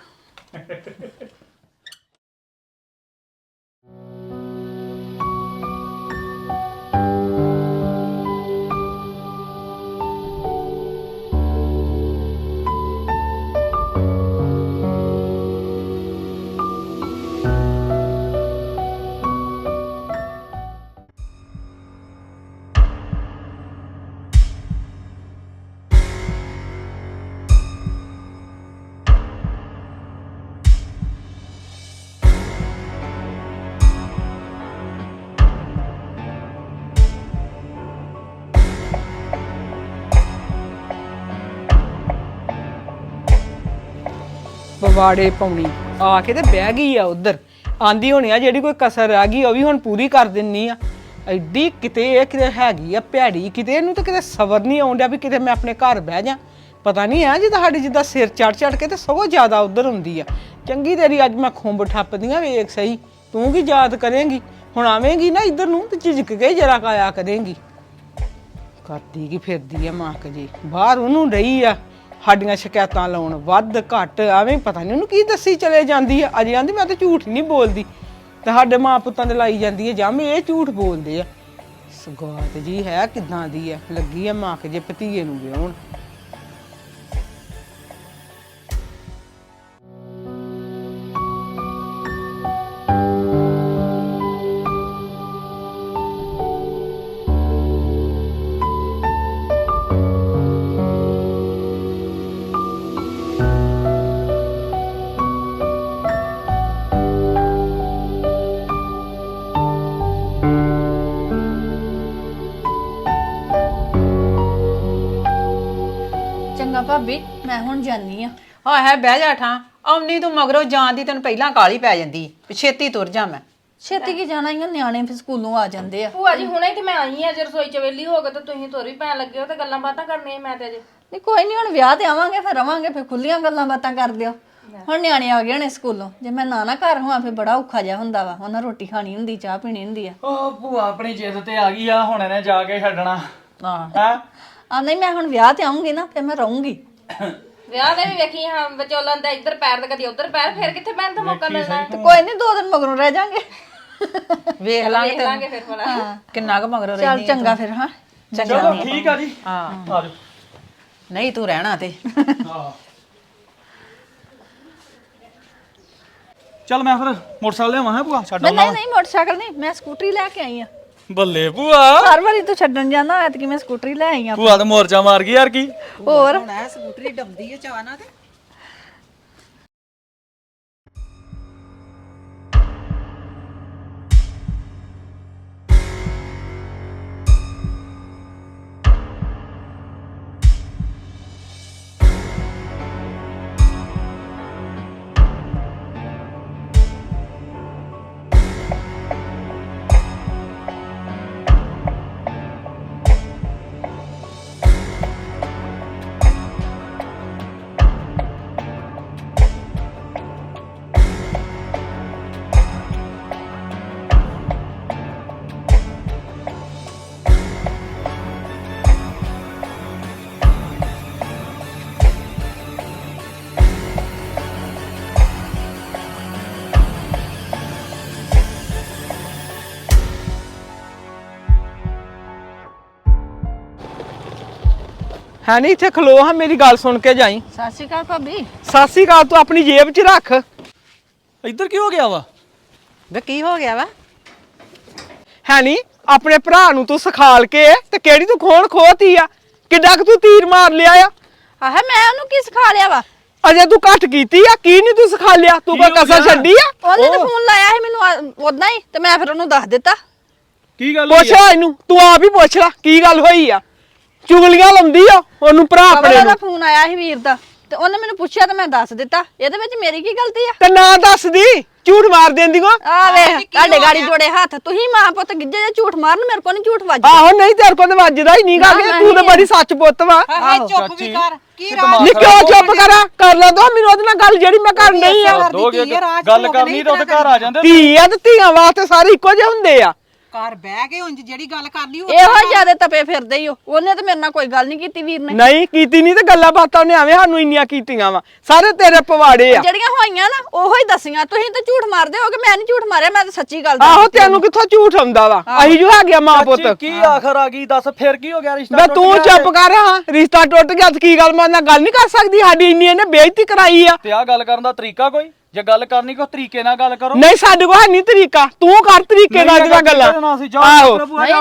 [SPEAKER 2] ਪਵਾੜੇ ਪਾਉਣੀ ਆ ਕੇ ਤੇ ਬਹਿ ਗਈ ਆ ਉਧਰ। ਆਂਦੀ ਹੋਣੀ ਆ ਜਿਹੜੀ ਕੋਈ ਕਸਰ ਰਹਿ ਗਈ ਉਹ ਵੀ ਹੁਣ ਪੂਰੀ ਕਰ ਦਿੰਨੀ ਆ। ਐਡੀ ਕਿਤੇ ਇਹ ਕਿਤੇ ਹੈਗੀ ਆ ਭੈੜੀ, ਕਿਤੇ ਇਹਨੂੰ ਤਾਂ ਕਿਤੇ ਸਬਰ ਨਹੀਂ ਆਉਂਦਾ ਵੀ ਕਿਤੇ ਮੈਂ ਆਪਣੇ ਘਰ ਬਹਿ ਜਾ। ਪਤਾ ਨਹੀਂ ਆ ਜਿੱਦਾਂ ਸਾਡੀ ਜਿੱਦਾਂ ਸਿਰ ਚੜ ਕੇ ਤੇ ਸਗੋਂ ਜ਼ਿਆਦਾ ਉਧਰ ਹੁੰਦੀ ਆ। ਚੰਗੀ ਤੇਰੀ ਅੱਜ ਮੈਂ ਖੁੰਬ ਠੱਪਦੀਆਂ ਵੇਖ ਸਹੀ, ਤੂੰ ਕੀ ਯਾਦ ਕਰੇਂਗੀ? ਹੁਣ ਆਵੇਂਗੀ ਨਾ ਇੱਧਰ ਨੂੰ ਤੇ ਝਿਜਕ ਕੇ ਜਰਾ ਕਾਇਆ ਕਰੇਂਗੀ। ਕਰਦੀ ਕੀ ਫਿਰਦੀ ਆ ਮਾਕ ਜੀ, ਬਾਹਰ ਉਹਨੂੰ ਰਹੀ ਆ ਸਾਡੀਆਂ ਸ਼ਿਕਾਇਤਾਂ ਲਾਉਣ, ਵੱਧ ਘੱਟ ਐਵੇਂ ਪਤਾ ਨਹੀਂ ਉਹਨੂੰ ਕੀ ਦੱਸੀ ਚਲੇ ਜਾਂਦੀ ਆ। ਅਜੇ ਆਂਦੀ ਮੈਂ ਤਾਂ ਝੂਠ ਨਹੀਂ ਬੋਲਦੀ, ਤੇ ਸਾਡੇ ਮਾਂ ਪੁੱਤਾਂ ਦੇ ਲਾਈ ਜਾਂਦੀ ਹੈ ਜੰਮ ਇਹ ਝੂਠ ਬੋਲਦੇ ਆ। ਸਗਾਤ ਜੀ ਹੈ ਕਿਦਾਂ ਦੀ ਆ, ਲੱਗੀ ਆ ਮਾਕ ਜੇ ਭਤੀਏ ਨੂੰ ਵਿਆਹੁਣ।
[SPEAKER 5] ਚੰਗਾ ਭਾਬੀ ਮੈਂ ਹੁਣ ਜਾਨੀ ਆ।
[SPEAKER 6] ਹਾਂ ਹੈ ਬਹਿ ਜਾ ਠਾਂ ਆਉਣੀ ਤੂੰ ਮਗਰੋਂ ਜਾਣ ਦੀ ਤੈਨੂੰ ਪਹਿਲਾਂ ਕਾਲੀ ਪੈ ਜਾਂਦੀ ਵੀ ਛੇਤੀ ਤੁਰ ਜਾ ਮੈਂ
[SPEAKER 5] ਛੇਤੀ ਕੀ ਜਾਣਾ ਹੀ ਆ, ਨਿਆਣੇ ਫਿਰ ਸਕੂਲੋਂ ਆ ਜਾਂਦੇ ਆ।
[SPEAKER 7] ਭੂਆ ਜੀ ਹੁਣੇ ਤੇ ਮੈਂ ਆਈ ਆ, ਜੇ ਰਸੋਈ ਚ ਵੇਲੀ ਹੋ ਗਏ ਤਾਂ ਤੁਸੀਂ ਤੁਰ ਵੀ ਪੈਣ ਲੱਗੇ ਹੋ ਤੇ ਗੱਲਾਂ ਬਾਤਾਂ ਕਰਨੀਆਂ ਮੈਂ ਤੇ ਅਜੇ।
[SPEAKER 5] ਨਹੀਂ ਕੋਈ ਨਹੀਂ, ਹੁਣ ਵਿਆਹ ਤੇ ਆਵਾਂਗੇ ਫਿਰ ਰਵਾਂਗੇ, ਫਿਰ ਖੁੱਲੀਆਂ ਗੱਲਾਂ ਬਾਤਾਂ ਕਰ ਦਿਓ। ਹੁਣ ਨਿਆਣੇ ਆ ਗਏ ਨੇ ਸਕੂਲੋਂ, ਜੇ ਮੈਂ ਨਾ ਘਰ ਹੋਵਾਂ ਫਿਰ ਬੜਾ ਔਖਾ ਜਿਹਾ ਹੁੰਦਾ ਵਾ। ਉਹਨਾਂ ਰੋਟੀ ਖਾਣੀ ਹੁੰਦੀ, ਚਾਹ ਪੀਣੀ ਹੁੰਦੀ ਆ।
[SPEAKER 4] ਉਹ ਭੂਆ ਆਪਣੀ ਜਿੱਦ ਤੇ ਆ ਗਈ ਆ, ਹੁਣ ਇਹਨੇ ਜਾ ਕੇ ਛੱਡਣਾ
[SPEAKER 6] ਹਾਂ
[SPEAKER 4] ਹੈ।
[SPEAKER 5] ਆ ਨਹੀਂ, ਮੈਂ ਹੁਣ ਵਿਆਹ ਤੇ ਆਉਂਗੀ ਨਾ ਫਿਰ ਮੈਂ ਰਹੂੰਗੀ।
[SPEAKER 7] ਵਿਆਹ ਦੇ ਵੀ ਵੇਖੀ ਹਾਂ ਵਿਚੋਲਨ ਦਾ ਇੱਧਰ ਪੈਰ ਤੇ ਕਦੀ ਉੱਧਰ ਪੈਰ, ਫਿਰ ਕਿੱਥੇ ਪੈਣ ਦਾ ਮੌਕਾ ਮਿਲਣਾ।
[SPEAKER 5] ਤੇ ਕੋਈ ਨਹੀਂ, 2 ਦਿਨ ਮਗਰੋਂ ਰਹਿ ਜਾਾਂਗੇ।
[SPEAKER 6] ਵੇਖ ਲਾਂਗੇ
[SPEAKER 7] ਵੇਖ ਲਾਂਗੇ ਫਿਰ ਭਲਾ।
[SPEAKER 6] ਕਿੰਨਾ ਕੁ ਮਗਰੋਂ
[SPEAKER 5] ਚੱਲ
[SPEAKER 6] ਰਹਿੰਦੀ
[SPEAKER 5] ਚੰਗਾ ਫਿਰ। ਹਾਂ
[SPEAKER 4] ਚਲੋ ਠੀਕ ਆ ਜੀ,
[SPEAKER 6] ਹਾਂ
[SPEAKER 4] ਆ ਜਾਓ।
[SPEAKER 6] ਨਹੀਂ ਤੂੰ ਰਹਿਣਾ ਤੇ
[SPEAKER 4] ਹਾਂ ਚੱਲ ਮੈਂ ਫਿਰ ਮੋਟਰਸਾਈਕਲ ਲਿਆਵਾਂ ਹੈ ਭੂਆ, ਛੱਡ
[SPEAKER 5] ਮੈਂ
[SPEAKER 4] ਆਉਣਾ।
[SPEAKER 5] ਨਹੀਂ ਮੋਟਰਸਾਈਕਲ ਨਹੀਂ, ਮੈਂ ਸਕੂਟਰੀ ਲੈ ਕੇ ਆਈ ਆ।
[SPEAKER 4] ਬੱਲੇ ਭੂਆ,
[SPEAKER 5] ਹਰ ਵਾਰੀ ਤੂੰ ਛੱਡਣ ਜਾਂਦਾ ਐਤਕੀ ਮੈਂ ਸਕੂਟਰੀ ਲੈ ਆਈ ਆ।
[SPEAKER 4] ਭੂਆ ਤਾਂ ਮੋਰਚਾ ਮਾਰ ਗਈ ਯਾਰ ਕੀ।
[SPEAKER 5] ਹੋਰ
[SPEAKER 6] ਹੁਣ ਐ ਸਕੂਟਰੀ ਡੰਬਦੀ ਏ ਚਾਹਨਾ ਤੇ
[SPEAKER 2] ਹੈ ਨਹੀਂ ਇੱਥੇ ਖਲੋ ਹਾਂ, ਮੇਰੀ ਗੱਲ ਸੁਣ ਕੇ ਜਾਈ।
[SPEAKER 5] ਸਤਿ ਸ਼੍ਰੀ ਅਕਾਲ ਭਾਬੀ।
[SPEAKER 2] ਸਤਿ ਸ੍ਰੀ ਅਕਾਲ ਤੂੰ ਆਪਣੀ ਜੇਬ 'ਚ ਰੱਖ।
[SPEAKER 4] ਇੱਧਰ ਕੀ ਹੋ ਗਿਆ ਵਾ?
[SPEAKER 6] ਵੇ ਕੀ ਹੋ ਗਿਆ ਵਾ?
[SPEAKER 2] ਹੈ ਨਹੀਂ, ਆਪਣੇ ਭਰਾ ਨੂੰ ਤੂੰ ਸਿਖਾਲ ਕੇ ਤੇ ਕਿਹੜੀ ਤੂੰ ਖੋਣ ਖੋਤੀ ਆ? ਕਿੱਡਾ ਕੁ ਤੂੰ ਤੀਰ ਮਾਰ ਲਿਆ ਆ?
[SPEAKER 5] ਆਹ ਮੈਂ ਉਹਨੂੰ ਕੀ ਸਿਖਾ ਲਿਆ ਵਾ?
[SPEAKER 2] ਅਜੇ ਤੂੰ ਘੱਟ ਕੀਤੀ ਆ, ਕੀ ਨਹੀਂ ਤੂੰ ਸਿਖਾ ਲਿਆ? ਤੂੰ ਕੋਈ ਕਸਰ ਛੱਡੀ ਆ?
[SPEAKER 5] ਉਹਨੇ ਤਾਂ ਫੋਨ ਲਾਇਆ ਸੀ ਮੈਨੂੰ ਉਦਾਂ ਹੀ, ਤੇ ਮੈਂ ਫਿਰ ਉਹਨੂੰ ਦੱਸ ਦਿੱਤਾ।
[SPEAKER 4] ਕੀ ਗੱਲ
[SPEAKER 2] ਪੁੱਛ ਆ ਇਹਨੂੰ, ਤੂੰ ਆਪ ਹੀ ਪੁੱਛ ਲੈ ਕੀ ਗੱਲ ਹੋਈ ਆ। ਚੁਗਲੀਆਂ ਲਾਉਂਦੀ ਆ ਉਹਨੂੰ ਭਰਾ ਆਪਣੇ
[SPEAKER 5] ਕਮਲਾ
[SPEAKER 2] ਨੂੰ।
[SPEAKER 5] ਦਾ ਫੋਨ ਆਇਆ ਸੀ ਵੀਰ ਦਾ, ਤੇ ਉਹਨੇ ਮੈਨੂੰ ਪੁੱਛਿਆ ਤੇ ਮੈਂ ਦੱਸ ਦਿੱਤਾ। ਇਹਦੇ ਵਿੱਚ ਮੇਰੀ ਕੀ ਗਲਤੀ ਆ?
[SPEAKER 2] ਤੇ ਨਾ ਦੱਸਦੀ, ਝੂਠ ਮਾਰ ਦਿੰਦੀ ਕੋ।
[SPEAKER 5] ਆ ਵੇਖ ਤੁਹਾਡੇ ਗਾੜੀ ਜੋੜੇ ਹੱਥ, ਤੁਸੀਂ ਮਾਂ ਪੁੱਤ ਗਿੱਜੇ ਜੇ ਝੂਠ ਮਾਰਨ, ਮੇਰੇ ਕੋਲ ਨਹੀਂ ਝੂਠ ਵੱਜਦਾ।
[SPEAKER 2] ਆਹੋ ਨਹੀਂ, ਤੇਰੇ ਕੋਲ ਤਾਂ ਵੱਜਦਾ ਹੀ ਨਹੀਂ ਗਾ, ਤੂੰ ਤਾਂ ਬੜੀ ਸੱਚ ਪੁੱਤ ਵਾ।
[SPEAKER 6] ਹਾਏ ਚੁੱਪ ਵੀ ਕਰ ਕੀ
[SPEAKER 2] ਨੀ ਕਿਉਂ ਚੁੱਪ ਕਰਾਂ? ਕਰ ਲੈ ਦੋ ਮੈਨੂੰ ਉਹਦੇ ਨਾਲ ਗੱਲ ਜਿਹੜੀ ਮੈਂ ਕਰਨ ਨਹੀਂ ਆ।
[SPEAKER 4] ਗੱਲ ਕਰਨੀ ਤਾਂ ਉਹਦੇ ਘਰ ਆ ਜਾਂਦੇ।
[SPEAKER 2] ਧੀ ਆ ਤੇ ਧੀਆਂ ਵਾਸਤੇ ਸਾਰੇ ਇੱਕੋ ਜਿਹੇ ਹੁੰਦੇ ਆ।
[SPEAKER 6] ਘਰ ਬਹਿ ਕੇ ਉਂਝ ਜਿਹੜੀ ਗੱਲ ਕਰਨੀ
[SPEAKER 5] ਇਹੋ ਜਿਆਦੇ ਤਪੇ ਫਿਰਦੇ ਹੀ ਉਹਨੇ ਤੇ ਮੇਰੇ ਨਾਲ ਕੋਈ ਗੱਲ ਨਹੀਂ ਕੀਤੀ ਵੀਰ ਨੇ।
[SPEAKER 2] ਨਹੀਂ ਕੀਤੀ ਨਹੀਂ ਤੇ ਗੱਲਾਂ ਬਾਤਾਂ ਉਹਨੇ ਐਵੇਂ ਸਾਨੂੰ ਇੰਨੀਆਂ ਕੀਤੀਆਂ ਵਾ। ਸਾਰੇ ਤੇਰੇ ਪਵਾੜੇ ਆ।
[SPEAKER 5] ਜਿਹੜੀਆਂ ਹੋਈਆਂ ਨਾ ਉਹੋ ਹੀ ਦਸੀਆਂ। ਤੁਸੀਂ ਤਾਂ ਝੂਠ ਮਾਰਦੇ ਹੋਗੇ, ਮੈਂ ਨਹੀਂ ਝੂਠ ਮਾਰਿਆ, ਮੈਂ ਤਾਂ ਸੱਚੀ ਗੱਲ
[SPEAKER 2] ਆਹੋ ਤੈਨੂੰ ਕਿੱਥੋਂ ਝੂਠ ਆਉਂਦਾ ਵਾ? ਅਸੀਂ ਜੋ ਹੈਗੇ ਮਾਂ ਪੁੱਤ।
[SPEAKER 4] ਕੀ ਆਖਰ ਆ ਗਈ ਦੱਸ, ਫਿਰ ਕੀ ਹੋ ਗਿਆ? ਰਿਸ਼ਤਾ
[SPEAKER 2] ਮੈਂ ਤੂੰ ਚੁੱਪ ਕਰ। ਹਾਂ ਰਿਸ਼ਤਾ ਟੁੱਟ ਗਿਆ ਤੇ ਕੀ ਗੱਲ ਮੈਂ ਨਾਲ ਗੱਲ ਨਹੀਂ ਕਰ ਸਕਦੀ? ਸਾਡੀ ਇੰਨੀ ਇਹਨੇ ਬੇਇੱਜ਼ਤੀ ਕਰਾਈ ਆ।
[SPEAKER 4] ਤੇ ਆ ਗੱਲ ਕਰਨ ਦਾ ਤਰੀਕਾ ਕੋਈ? ਜੇ ਗੱਲ ਕਰਨੀ ਕੋਈ ਤਰੀਕੇ ਨਾਲ ਗੱਲ ਕਰੋ।
[SPEAKER 2] ਨਹੀਂ ਸਾਡੇ ਕੋਲ ਹੈ ਨਹੀਂ ਤਰੀਕਾ, ਤੂੰ ਕਰ ਤਰੀਕੇ ਨਾਲ ਜਿਹੜਾ ਗੱਲਾਂ। ਆਹੋ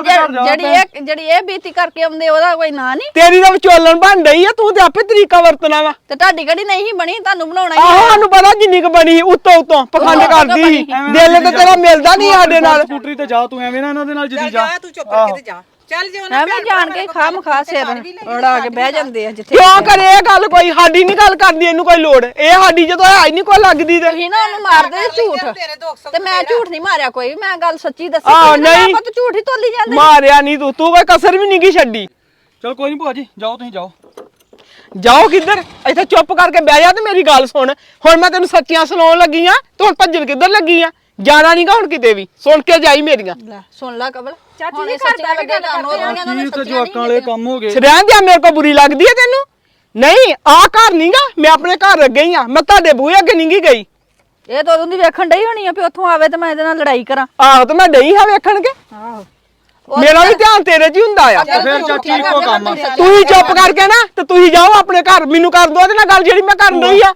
[SPEAKER 5] ਜਿਹੜੀ ਇਹ ਬੀਤੀ ਕਰਕੇ ਆਉਂਦੇ ਉਹਦਾ ਕੋਈ ਨਾਂ ਨਹੀਂ।
[SPEAKER 2] ਤੇਰੀ ਤਾਂ ਵਿਚੋਲਣ ਬਣ ਰਹੀ ਆ, ਤੂੰ ਤੇ ਆਪੇ ਤਰੀਕਾ ਵਰਤਣਾ ਵਾ।
[SPEAKER 5] ਤੇ ਤੁਹਾਡੀ ਕਿਹੜੀ ਨਹੀਂ ਬਣੀ, ਤੁਹਾਨੂੰ ਬਣਾਉਣਾ ਹੀ
[SPEAKER 2] ਆਹੋ ਸਾਨੂੰ ਪਤਾ ਜਿੰਨੀ ਕੁ ਬਣੀ ਉੱਤੋਂ ਉੱਤੋਂ ਪਖੰਡ ਕਰਦੀ ਸੀ। ਦਿਲ ਤੇ ਤੇਰਾ ਮਿਲਦਾ ਨਹੀਂ ਸਾਡੇ ਨਾਲ।
[SPEAKER 4] ਸਕੂਟਰੀ ਤੇ ਜਾ ਤੂੰ, ਐਵੇਂ ਨਾ ਇਹਨਾਂ ਦੇ ਨਾਲ ਜਿੱਦੀ ਜਾ।
[SPEAKER 6] ਤੂੰ ਚੁੱਪ ਕਰਕੇ ਤੇ ਜਾ ਚੱਲ ਜੇ ਉਹਨਾਂ
[SPEAKER 5] ਐਵੇਂ ਜਾਣ ਕੇ ਖਾਮ ਖਾ ਸਿਰ ਉਡਾ ਕੇ ਬਹਿ ਜਾਂਦੇ ਆ ਜਿੱਥੇ।
[SPEAKER 2] ਕਿਉਂ ਕਰੇ ਇਹ ਗੱਲ? ਕੋਈ ਸਾਡੀ ਨਹੀਂ ਗੱਲ ਕਰਦੀ ਇਹਨੂੰ ਕੋਈ ਲੋੜ। ਇਹ ਸਾਡੀ ਜਦੋਂ ਹੈ ਹੀ ਨਹੀਂ ਕੋਈ ਲੱਗਦੀ ਤੇ
[SPEAKER 5] ਤੁਸੀਂ ਨਾ ਉਹਨੂੰ ਮਾਰਦੇ ਝੂਠ, ਤੇ ਮੈਂ ਝੂਠ ਨਹੀਂ ਮਾਰਿਆ ਕੋਈ, ਮੈਂ ਗੱਲ ਸੱਚੀ ਦੱਸੀ।
[SPEAKER 2] ਨਹੀਂ
[SPEAKER 5] ਆਪਾਂ ਤਾਂ ਝੂਠ ਹੀ ਤੋਲੀ ਜਾਂਦੇ।
[SPEAKER 2] ਮਾਰਿਆ ਨਹੀਂ ਤੂੰ ਕੋਈ ਕਸਰ ਵੀ ਨਹੀਂ ਕੀ ਛੱਡੀ।
[SPEAKER 4] ਚਲ ਕੋਈ ਨਹੀਂ ਭੂਆ ਜੀ, ਜਾਓ ਤੁਸੀਂ ਜਾਓ।
[SPEAKER 2] ਜਾਓ ਕਿੱਧਰ? ਇੱਥੇ ਚੁੱਪ ਕਰਕੇ ਬਹਿ ਜਾ ਤੇ ਮੇਰੀ ਗੱਲ ਸੁਣ। ਹੁਣ ਮੈਂ ਤੈਨੂੰ ਸੱਚੀਆਂ ਸੁਣਾਉਣ ਲੱਗੀ ਆ, ਤੂੰ ਹੁਣ ਭੱਜਣ ਕਿੱਧਰ ਲੱਗੀ ਆ? ਜਾਣਾ ਨਹੀਂਗਾ ਹੁਣ ਕਿਤੇ ਵੀ, ਸੁਣ ਕੇ ਜਾਈ ਮੇਰੀਆਂ।
[SPEAKER 5] ਲੈ ਸੁਣ ਲੈ ਕਬਲ,
[SPEAKER 7] ਚਾਚੀ ਜੀ ਘਰ ਬੈਠ ਕੇ ਗੱਲ ਕਰਦੇ
[SPEAKER 4] ਕੀ ਤੇ ਜਵਾਕਾਂ ਵਾਲੇ ਕੰਮ ਹੋ ਗਏ।
[SPEAKER 2] ਰਹਿਣ ਦਿਆ, ਮੇਰੇ ਕੋ ਬੁਰੀ ਲੱਗਦੀ ਹੈ ਤੈਨੂੰ? ਨਹੀਂ ਆ ਘਰ ਨਹੀਂਗਾ, ਮੈਂ ਆਪਣੇ ਘਰ ਅੱਗੇ ਹੀ ਆ, ਮੈਂ ਤੁਹਾਡੇ ਬੂਹੇ ਅੱਗੇ ਨਹੀਂ ਗਈ।
[SPEAKER 5] ਇਹ ਤਾਂ ਉਦੋਂ ਦੀ ਵੇਖਣ ਡਈ ਹੋਣੀ ਆ ਵੀ ਉੱਥੋਂ ਆਵੇ ਤੇ ਮੈਂ ਇਹਦੇ ਨਾਲ ਲੜਾਈ ਕਰਾਂ।
[SPEAKER 2] ਆਹੋ ਤੇ ਮੈਂ ਡਈ ਹਾਂ ਵੇਖਣਗੇ।
[SPEAKER 5] ਆਹੋ
[SPEAKER 2] ਮੇਰਾ ਵੀ ਧਿਆਨ ਤੇਰੇ 'ਚ ਹੀ ਹੁੰਦਾ ਆ।
[SPEAKER 4] ਫਿਰ ਚਾਚੀ ਇੱਕੋ ਕੰਮ ਆ।
[SPEAKER 2] ਤੂੰ ਹੀ ਚੁੱਪ ਕਰਕੇ ਨਾ ਤੇ ਤੁਸੀਂ ਜਾਓ ਆਪਣੇ ਘਰ, ਮੈਨੂੰ ਕਰ ਦੋ ਉਹਦੇ ਨਾਲ ਗੱਲ ਜਿਹੜੀ ਮੈਂ ਕਰਨ ਰਹੀ ਆ।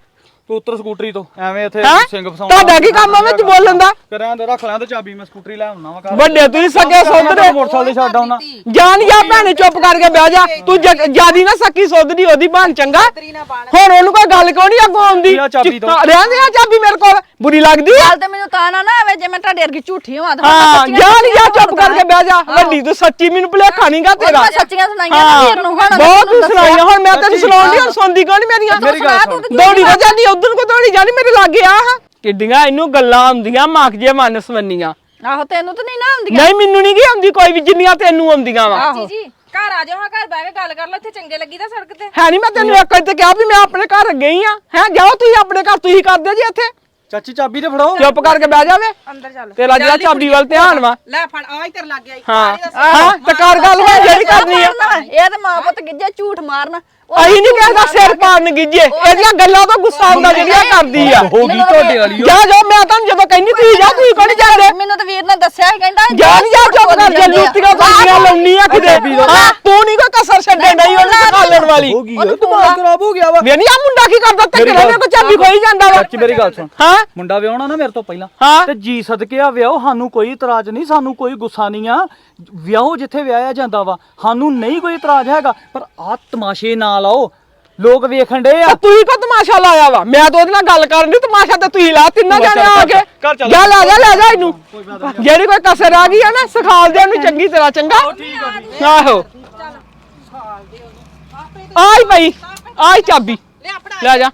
[SPEAKER 4] ਤੂੰ ਉੱਤਰ ਸਕੂਟਰੀ ਤੋਂ ਐਵੇਂ ਇੱਥੇ
[SPEAKER 2] ਹੈਂ?
[SPEAKER 4] ਸਿੰਘ ਫਸਾਉਣਾ
[SPEAKER 2] ਤੁਹਾਡਾ ਕੀ ਕੰਮ ਆ ਵਿੱਚ ਬੋਲਣ ਦਾ?
[SPEAKER 4] ਕਰਾਂ ਤੇ ਰੱਖ ਲਾਂ ਤੇ ਚਾਬੀ ਮੈਂ ਸਕੂਟਰੀ ਲੈ ਆਉਣਾ ਵਾ ਘਰ
[SPEAKER 2] ਵੱਡੇ ਤੁਸੀਂ ਸਕੇ ਸੋਧਰੇ
[SPEAKER 4] ਮੋਟਰਸਾਈਕਲ ਤੇ ਛੱਡ ਆਉਣਾ
[SPEAKER 2] ਜਾਨ ਜਾ ਭੈਣੇ ਚੁੱਪ ਕਰਕੇ ਬਹਿ ਜਾ ਤੂੰ ਜਿਆਦੀ ਨਾ ਸੱਕੀ ਸੋਧਦੀ ਉਹਦੀ ਬਣ ਚੰਗਾ ਹੁਣ ਉਹਨੂੰ ਕੋਈ ਗੱਲ ਕਿਉਂ ਨਹੀਂ ਅੱਗੋਂ ਆਉਂਦੀ
[SPEAKER 4] ਆ ਚਾਬੀ ਦਿਓ।
[SPEAKER 2] ਰਹਿੰਦੇ ਆ ਚਾਬੀ ਮੇਰੇ ਕੋਲ ਬੁਰੀ ਲੱਗਦੀ ਆ
[SPEAKER 5] ਗੱਲ ਤੇ ਮੈਨੂੰ ਤਾਂ ਨਾ ਆਵੇ ਜੇ ਮੈਂ ਤੁਹਾਡੇ ਵਰਗੀ ਝੂਠੀ ਹੋਵਾਂ ਤਾਂ
[SPEAKER 2] ਹਾਂ ਜਾਨ ਜਾ ਚੁੱਪ ਕਰਕੇ ਬਹਿ ਜਾ ਵੱਡੀ ਤੂੰ ਸੱਚੀ ਮੈਨੂੰ ਭੁਲੇਖਾ ਨਹੀਂਗਾ ਤੇਰਾ
[SPEAKER 5] ਮੈਂ ਸੱਚੀਆਂ ਸੁਣਾਈਆਂ ਨਾ ਵੀਰ ਨੂੰ ਹੁਣ
[SPEAKER 2] ਬਹੁਤ ਤੂੰ ਸੁਣਾਈਆਂ ਹੁਣ ਮੈਂ ਤੈਨੂੰ ਸੁਣਾਉਂਦੀ ਹੁਣ ਸੁਣਦੀ ਕਿਉਂ ਨਹੀਂ ਮੇਰੀਆਂ
[SPEAKER 4] ਮੇਰੀ ਗੱਲ ਸੁਣ
[SPEAKER 2] ਦੌੜੀ ਨਾ ਜਾਂਦੀ ਉਧਰ ਕੋ ਦੌੜੀ ਜਾਂਦੀ ਮੇਰੇ ਲਾਗੇ ਆ ਹਾਂ ਕਿੱਡੀਆਂ ਇਹਨੂੰ ਗੱਲਾਂ ਆਉਂਦੀਆਂ ਮੱਖ ਜੇ ਮਨ ਸਵੰਨੀਆਂ
[SPEAKER 5] ਆਹੋ ਤੈਨੂੰ ਤਾਂ ਨਹੀਂ ਨਾ ਆਉਂਦੀਆਂ
[SPEAKER 2] ਨਹੀਂ ਮੈਨੂੰ ਨਹੀਂ ਕੀ ਆਉਂਦੀ ਕੋਈ ਵੀ ਜਿੰਨੀਆਂ ਤੈਨੂੰ ਆਉਂਦੀਆਂ ਵਾ
[SPEAKER 7] ਜੀ ਜੀ ਘਰ ਆ ਜਾਓ ਹਾਂ ਘਰ ਬਹਿ ਕੇ ਗੱਲ ਕਰ ਲਓ ਇੱਥੇ ਚੰਗੇ ਲੱਗੀ ਤਾਂ ਸੜਕ ਤੇ
[SPEAKER 2] ਹੈ ਨਹੀਂ ਮੈਂ ਤੈਨੂੰ ਇੱਕ ਵਾਰ ਤੇ ਕਿਹਾ ਵੀ ਮੈਂ ਆਪਣੇ ਘਰ ਗਈ ਆ ਹੈ ਜਾਓ ਤੁਸੀਂ ਆਪਣੇ ਘਰ ਤੁਸੀਂ ਕਰਦੇ ਜੀ ਇੱਥੇ
[SPEAKER 4] ਚਾਚੀ ਚਾਬੀ ਤੇ ਫੜਾਓ
[SPEAKER 2] ਚੁੱਪ ਕਰਕੇ ਬਹਿ ਜਾਵੇ
[SPEAKER 7] ਅੰਦਰ ਚੱਲ
[SPEAKER 2] ਤੇਰਾ ਜਿਹੜਾ ਚਾਬੀ ਵੱਲ ਧਿਆਨ ਵਾ
[SPEAKER 6] ਲੈ ਫੜ ਆ ਇੱਧਰ ਲੱਗ ਗਿਆ
[SPEAKER 2] ਹਾਂ ਤੇ ਕਰ ਗੱਲ ਹੋਈ ਜਿਹੜੀ ਕਰਨੀ ਆ
[SPEAKER 5] ਇਹ ਤਾਂ ਮਾਂ ਪੁੱਤ ਗਿੱਜੇ ਝੂਠ ਮਾਰਨ
[SPEAKER 2] ਅਹੀਂ ਨਹੀਂ ਕਹਿੰਦਾ ਸਿਰ ਪਾੜਨ ਗਿੱਜੇ ਇਹਦੀਆਂ ਗੱਲਾਂ ਤੋਂ ਗੁੱਸਾ ਆਉਂਦਾ ਜਿਹੜੀਆਂ ਕਰਦੀ ਆ
[SPEAKER 4] ਹੋ ਗਈ ਤੁਹਾਡੇ ਵਾਲੀ
[SPEAKER 2] ਜਾ ਜਾ ਮੈਂ ਤੁਹਾਨੂੰ ਜਦੋਂ ਕਹਿੰਦੀ ਤੁਸੀਂ ਜਾ ਤੁਸੀਂ ਕੋਣ ਜਾਂਦੇ
[SPEAKER 5] ਮੈਨੂੰ ਤਾਂ ਵੀਰ ਨੇ ਦੱਸਿਆ ਸੀ ਕਹਿੰਦਾ
[SPEAKER 2] ਜਾ ਨਹੀਂ ਜਾ ਚੁੱਪ ਕਰ ਜੇ ਲੁੱਟੀਆਂ ਫਾਂਦੀਆਂ ਲਾਉਣੀ ਆ ਕਿਤੇ ਹਾਂ ਤੂੰ ਨਹੀਂ ਕੋਈ ਕਸਰ ਛੱਡੇ ਨਹੀਂ ਉਹਨੂੰ ਖਾਲਣ ਵਾਲੀ
[SPEAKER 4] ਹੋ ਗਈ ਦਿਮਾਗ ਖਰਾਬ ਹੋ ਗਿਆ ਵਾ
[SPEAKER 2] ਵੇ ਨਹੀਂ ਆ ਮੁੰਡਾ ਕੀ ਕਰਦਾ ਧੱਕੇ ਨਾਲ ਮੇਰੇ ਕੋ ਚਾਬੀ ਖੋਈ ਜਾਂਦਾ ਵਾ
[SPEAKER 4] ਚਾਚੀ ਮੇਰੀ ਗੱਲ ਸੁਣ
[SPEAKER 2] ਹਾਂ
[SPEAKER 4] ਮੁੰਡਾ ਵਿਆਹਣਾ ਨਾ ਮੇਰੇ ਤੋਂ ਪਹਿਲਾਂ
[SPEAKER 2] ਹਾਂ
[SPEAKER 4] ਤੇ ਜੀ ਸਦਕੇ ਆ ਵਿਆਹੋ ਸਾਨੂੰ ਕੋਈ ਇਤਰਾਜ਼ ਨਹੀਂ ਸਾਨੂੰ ਕੋਈ ਗੁੱਸਾ ਨਹੀਂ ਆ ਵਿਆਹੋ ਜਿੱਥੇ ਵਿਆਹਿਆ ਜਾਂਦਾ ਵਾ ਸਾਨੂੰ ਨਹੀਂ ਕੋਈ ਇਤਰਾਜ਼ ਹੈਗਾ ਪਰ ਆ ਤਮਾਸ਼ੇ ਨਾ ਲਾਓ ਲੋਕ ਵੇਖਣ ਡੇ ਆ
[SPEAKER 2] ਤੂੰ ਹੀ ਕੋ ਤਮਾਸ਼ਾ ਲਾਇਆ ਵਾ ਮੈਂ ਤਾਂ ਉਹਦੇ ਨਾਲ ਗੱਲ ਕਰਨ ਦੀ ਤਮਾਸ਼ਾ ਤੇ ਤੁਸੀਂ ਲਾ ਤਿੰਨਾਂ ਜਾਣੇ ਆ ਕੇ ਜਾ ਲੈ ਜਾ ਇਹਨੂੰ ਜਿਹੜੀ ਕੋਈ ਕਸਰ ਆ ਗਈ ਆ ਨਾ ਸਿਖਾਲ ਦੇ ਉਹਨੂੰ ਚੰਗੀ ਤਰ੍ਹਾਂ ਚੰਗਾ ਆਹੋ ਆਈ ਭਾਈ ਆਈ ਚਾਬੀ ਲੈ ਜਾ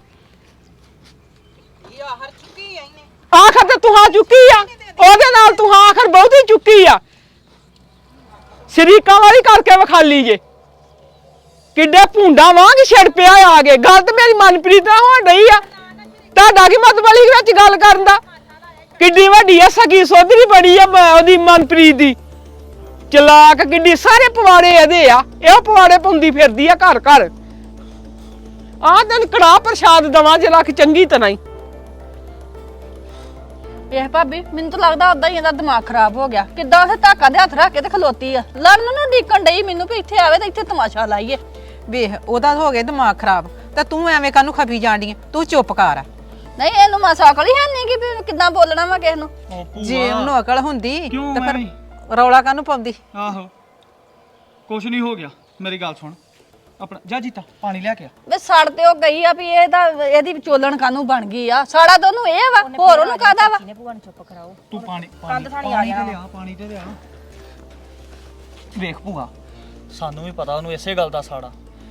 [SPEAKER 2] ਆਖਰ ਤੇ ਤੂੰ ਹਾਂ ਚੁੱਕੀ ਆ ਉਹਦੇ ਨਾਲ ਤੂੰ ਹਾਂ ਆਖਰ ਬਹੁਤੀ ਚੁੱਕੀ ਆ ਸ਼ਰੀਕਾਂ ਵਾਲੀ ਕਰਕੇ ਵਿਖਾਲੀ ਜੇ ਕਿੱਡੇ ਭੁੰਡਾ ਵਾਂਗ ਛੜ ਪਿਆ ਆ ਕੇ ਗੱਲ ਤੇ ਮੇਰੀ ਮਨਪ੍ਰੀਤ ਨਾਲ ਹੋਣ ਰਹੀ ਆ ਤੁਹਾਡਾ ਕੀ ਮਤਲਬ ਵਾਲੀ ਵਿੱਚ ਗੱਲ ਕਰਨ ਦਾ ਕਿੱਡੀ ਵੱਡੀ ਆ ਸਗੀ ਸੋਧਰੀ ਬੜੀ ਆ ਉਹਦੀ ਮਨਪ੍ਰੀਤ ਦੀ ਚਲਾਕ ਕਿੱਡੀ ਸਾਰੇ ਪਵਾੜੇ ਇਹਦੇ ਆ ਇਹ ਪਵਾੜੇ ਪਾਉਂਦੀ ਫਿਰਦੀ ਆ ਘਰ ਘਰ ਆ ਤੈਨੂੰ ਕੜਾਹ ਪ੍ਰਸ਼ਾਦ ਦਵਾਂ ਜੇ ਲੱਖ ਚੰਗੀ ਤਰ੍ਹਾਂ ਹੀ
[SPEAKER 5] ਇਹ ਭਾਬੀ ਮੈਨੂੰ ਤਾਂ ਲੱਗਦਾ ਉਦਾਂ ਹੀ ਇਹਦਾ ਦਿਮਾਗ ਖਰਾਬ ਹੋ ਗਿਆ ਕਿੱਦਾਂ ਉਹ ਧਾਕਾ ਦੇ ਹੱਥ ਰੱਖ ਕੇ ਤੇ ਖਲੋਤੀ ਆ ਲੜਨ ਨੂੰ ਡੀਕਣ ਡਈ ਮੈਨੂੰ ਵੀ ਇੱਥੇ ਆਵੇ ਤੇ ਇੱਥੇ ਤਮਾਸ਼ਾ ਲਾਈਏ
[SPEAKER 6] ਵੇਖ ਉਹਦਾ ਹੋ ਗਿਆ ਦਿਮਾਗ ਖਰਾਬ ਤੇ ਤੂੰ ਐਵੇਂ ਕਾਹਨੂੰ ਖਪੀ ਜਾਂਦੀ ਆਂ? ਤੂੰ ਚੁੱਪ ਕਰ
[SPEAKER 5] ਨਹੀਂ ਇਹਨੂੰ ਮਾਸਾ ਅਕਲ ਹੀ ਹੈ ਨਹੀਂ ਕਿ ਵੀ ਕਿੱਦਾਂ ਬੋਲਣਾ ਵਾ ਕਿਸੇ ਨੂੰ
[SPEAKER 6] ਜੇ ਉਹਨੂੰ ਅਕਲ ਹੁੰਦੀ
[SPEAKER 4] ਕਿਉਂ
[SPEAKER 6] ਤੇ ਫਿਰ
[SPEAKER 4] ਐਵੇਂ?
[SPEAKER 6] ਰੌਲਾ ਕਾਹਨੂੰ ਪਾਉਂਦੀ
[SPEAKER 4] ਆਹੋ ਕੁਛ ਨਹੀਂ ਹੋ ਗਿਆ ਮੇਰੀ ਗੱਲ ਸੁਣ ਆਪਣਾ ਜਾ ਜੀਤਾ ਪਾਣੀ ਲੈ ਕੇ ਆ
[SPEAKER 5] ਵੇ ਸੜ ਤੇ ਉਹ ਗਈ ਆ ਵੀ ਇਹਦੀ ਵਿਚੋਲਣ ਕਾਨੂੰ ਬਣ ਗਈ ਆ ਸਾੜਾ ਤਾਂ ਉਹਨੂੰ ਇਹ ਵਾ ਹੋਰ ਉਹਨੂੰ ਕਾਦਾ ਵਾ
[SPEAKER 4] ਤੂੰ ਪਾਣੀ ਤੇ ਲਿਆ ਪਾਣੀ ਤੇ ਲਿਆ ਵੇਖ ਭੂਆ ਸਾਨੂੰ ਵੀ ਪਤਾ ਉਹਨੂੰ ਇਸੇ ਗੱਲ ਦਾ ਸਾੜਾ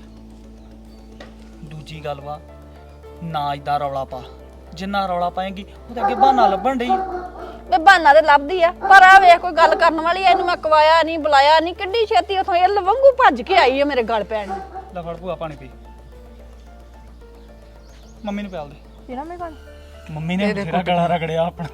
[SPEAKER 4] ਦੂਜੀ ਗੱਲ ਵਾ ਨਾ ਇਦਾਂ ਰੌਲਾ ਪਾ ਜਿੰਨਾ ਰੌਲਾ ਪਾਏਗੀ ਉਹਦੇ ਅੱਗੇ ਬਹਾਨਾ ਲੱਭਣ ਡਈ
[SPEAKER 5] ਵੇ ਬਹਾਨਾ ਤੇ ਲੱਭਦੀ ਆ ਪਰ ਆ ਵੇਖ ਕੋਈ ਗੱਲ ਕਰਨ ਵਾਲੀ ਆ ਇਹਨੂੰ ਮੈਂ ਕਵਾਇਆ ਨਹੀਂ ਬੁਲਾਇਆ ਨਹੀਂ ਕਿੱਡੀ ਛੇਤੀ ਉਥੋਂ ਇਹ ਲਵੰਗੂ ਭੱਜ ਕੇ ਆਈ ਆ ਮੇਰੇ ਗਲ ਪੈਣ ਨੂੰ
[SPEAKER 4] ਲੈ ਫੜ ਭੂਆ ਪਾਣੀ ਪੀ ਮੰਮੀ ਨੂੰ ਪਿਆਲ ਦੇ
[SPEAKER 5] ਪੀਣਾ ਮੈਂ ਪਾਣੀ
[SPEAKER 4] ਮੰਮੀ ਨੇ ਤੇਰਾ ਗਲਾ ਰਗੜਿਆ ਆਪਣਾ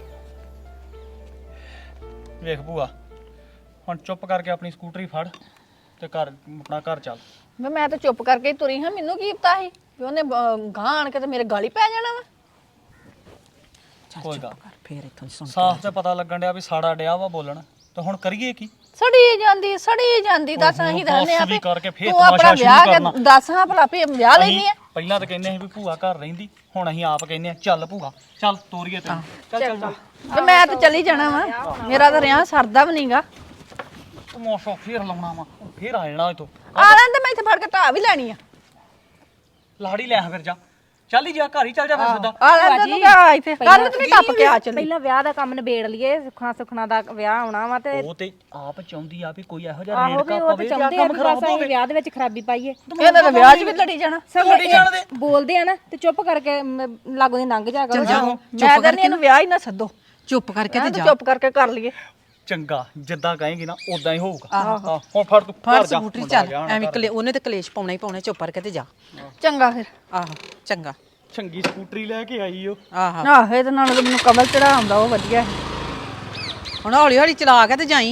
[SPEAKER 4] ਵੇਖ ਭੂਆ ਹੁਣ ਚੁੱਪ ਕਰਕੇ ਆਪਣੀ ਸਕੂਟਰੀ ਫੜ ਤੇ ਆਪਣਾ ਘਰ ਚੱਲ
[SPEAKER 5] ਵੇ ਮੈਂ ਤਾਂ ਚੁੱਪ ਕਰਕੇ ਹੀ ਤੁਰੀ ਹਾਂ ਮੈਨੂੰ ਕੀ ਪਤਾ ਸੀ ਵੀ ਉਹਨੇ ਗਾਂ ਆਣ ਕੇ ਤੇ ਮੇਰੇ ਗਾਲੀ ਪੈ ਜਾਣਾ ਵਾ
[SPEAKER 4] ਕੋਈ ਗੱਲ
[SPEAKER 6] ਫੇਰ ਇੱਥੋਂ ਸੁਣ
[SPEAKER 4] ਸਾਫ਼ ਤੇ ਪਤਾ ਲੱਗਣ ਡਿਆ ਵੀ ਸਾੜਾ ਡਿਆ ਵਾ ਬੋਲਣ ਤੇ ਹੁਣ ਕਰੀਏ ਕੀ
[SPEAKER 5] ਸੜੀ ਜਾਂਦੀ ਦੱਸ ਅਸੀਂ ਦੱਸਨੇ ਆ
[SPEAKER 4] ਵੀ ਕਰਕੇ ਫੇਰ
[SPEAKER 5] ਤੂੰ ਆਪਣਾ
[SPEAKER 4] ਤਮਾਸ਼ਾ ਸ਼ੁਰੂ
[SPEAKER 5] ਵਿਆਹ
[SPEAKER 4] ਕਰਨਾ।
[SPEAKER 5] ਕੇ ਦੱਸ ਹਾਂ ਭਲਾ ਵੀ ਵਿਆਹ ਲੈਣੀ ਆ
[SPEAKER 4] ਪਹਿਲਾਂ ਤਾਂ ਕਹਿੰਦੇ ਸੀ ਵੀ ਭੂਆ ਘਰ ਰਹਿੰਦੀ ਹੁਣ ਅਸੀਂ ਆਪ ਕਹਿੰਦੇ ਆ ਚੱਲ ਭੂਆ ਚੱਲ ਤੋਰੀਏ ਤੈਨੂੰ ਚੱਲ
[SPEAKER 5] ਤੇ ਮੈਂ ਤਾਂ ਚਲੀ ਜਾਣਾ ਵਾ ਮੇਰਾ ਤਾਂ ਰਿਆਂ ਸਰਦਾ ਵੀ ਨਹੀਂਗਾ
[SPEAKER 4] ਤਮਾਸ਼ਾ ਫੇਰ ਲਾਉਣਾ ਵਾ ਫੇਰ ਆ ਜਾਣਾ ਇਥੋਂ
[SPEAKER 5] ਆ ਲੈਂਦੇ ਮੈਂ ਇੱਥੇ ਫੜ ਕੇ ਢਾ ਵੀ ਲੈਣੀ ਆ
[SPEAKER 4] ਲਾੜੀ ਲੈ ਫਿਰ ਜਾ ਚੱਲ ਹੀ ਜਾ ਘਰ ਹੀ ਚੱਲ ਜਾ ਫਿਰ ਸਿੱਧਾ
[SPEAKER 5] ਆ ਲੈਂਦੇ ਤੂੰ ਕਿਆ ਇੱਥੇ ਕੱਲ ਤੂੰ ਟੱਪ ਕੇ ਆ ਚਲੀ
[SPEAKER 8] ਪਹਿਲਾਂ ਵਿਆਹ ਦਾ ਕੰਮ ਨਿਬੇੜ ਲਈਏ ਸੁਖਣਾ ਦਾ ਵਿਆਹ ਆਉਣਾ ਵਾ ਤੇ
[SPEAKER 4] ਉਹ ਤੇ ਆਪ ਚਾਹੁੰਦੀ ਆ ਵੀ ਕੋਈ ਇਹੋ ਜਿਹਾ
[SPEAKER 8] ਆਹੋ ਵੀ
[SPEAKER 4] ਰੇੜਕਾ
[SPEAKER 8] ਉਹ ਤੇ
[SPEAKER 4] ਪਵੇ ਤੇ
[SPEAKER 8] ਚਾਹੁੰਦੇ ਆ
[SPEAKER 4] ਕੰਮ
[SPEAKER 8] ਵੀ
[SPEAKER 4] ਖਰਾਬ
[SPEAKER 8] ਬਸ ਅਸੀਂ
[SPEAKER 4] ਹੋਵੇ
[SPEAKER 8] ਵਿਆਹ ਦੇ ਵਿੱਚ ਖਰਾਬੀ ਪਾਈਏ
[SPEAKER 5] ਇਹਨਾਂ ਦੇ ਵਿਆਹ 'ਚ ਵੀ ਲੜੀ ਜਾਣਾ
[SPEAKER 8] ਸਗੋਂ ਬੋਲਦੇ ਆ ਨਾ ਤੇ ਚੁੱਪ ਕਰਕੇ ਲਾਗੋਂ ਦੀ ਲੰਘ ਜਾ ਕਰੋ
[SPEAKER 5] ਮੈਂ ਕਹਿੰਦੀ ਇਹਨੂੰ ਵਿਆਹ ਹੀ ਨਾ ਸੱਦੋ
[SPEAKER 6] ਚੁੱਪ ਕਰਕੇ ਤੇ
[SPEAKER 5] ਤੇ
[SPEAKER 6] ਜਾ
[SPEAKER 5] ਚੁੱਪ ਕਰਕੇ ਕਰ ਲਈਏ
[SPEAKER 4] ਚੰਗਾ ਜਿੱਦਾਂ ਕਹੇਂਗੀ ਨਾ ਉਦਾਂ ਹੀ ਹੋਊਗਾ ਹੁਣ ਫੜ ਤੂੰ
[SPEAKER 6] ਫੜ
[SPEAKER 4] ਘਰ ਜਾ
[SPEAKER 6] ਸਕੂਟਰੀ ਚੱਲ ਐਵੇਂ ਉਹਨੇ ਤੇ ਕਲੇਸ਼ ਪਾਉਣਾ ਹੀ ਪਾਉਣਾ ਚੁੱਪ ਕਰਕੇ ਤੇ ਜਾ
[SPEAKER 5] ਚੰਗਾ ਫਿਰ
[SPEAKER 6] ਆਹੋ ਚੰਗਾ
[SPEAKER 4] ਚੰਗੀ ਸਕੂਟਰੀ ਲੈ ਕੇ ਆਈ ਓ
[SPEAKER 6] ਆਹੋ
[SPEAKER 5] ਆਹ ਇਹਦੇ ਨਾਲ ਤਾਂ ਮੈਨੂੰ ਕਮਲ ਚੜਾ ਆਉਂਦਾ ਉਹ ਵਧੀਆ ਹੈ
[SPEAKER 6] ਹੁਣ ਹੌਲੀ ਹੌਲੀ ਚਲਾ ਕੇ ਤੇ ਜਾਈ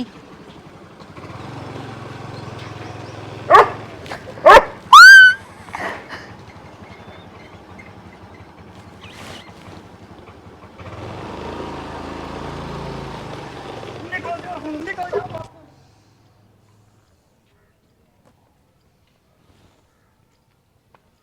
[SPEAKER 4] ਨਿਕਲ ਜਾ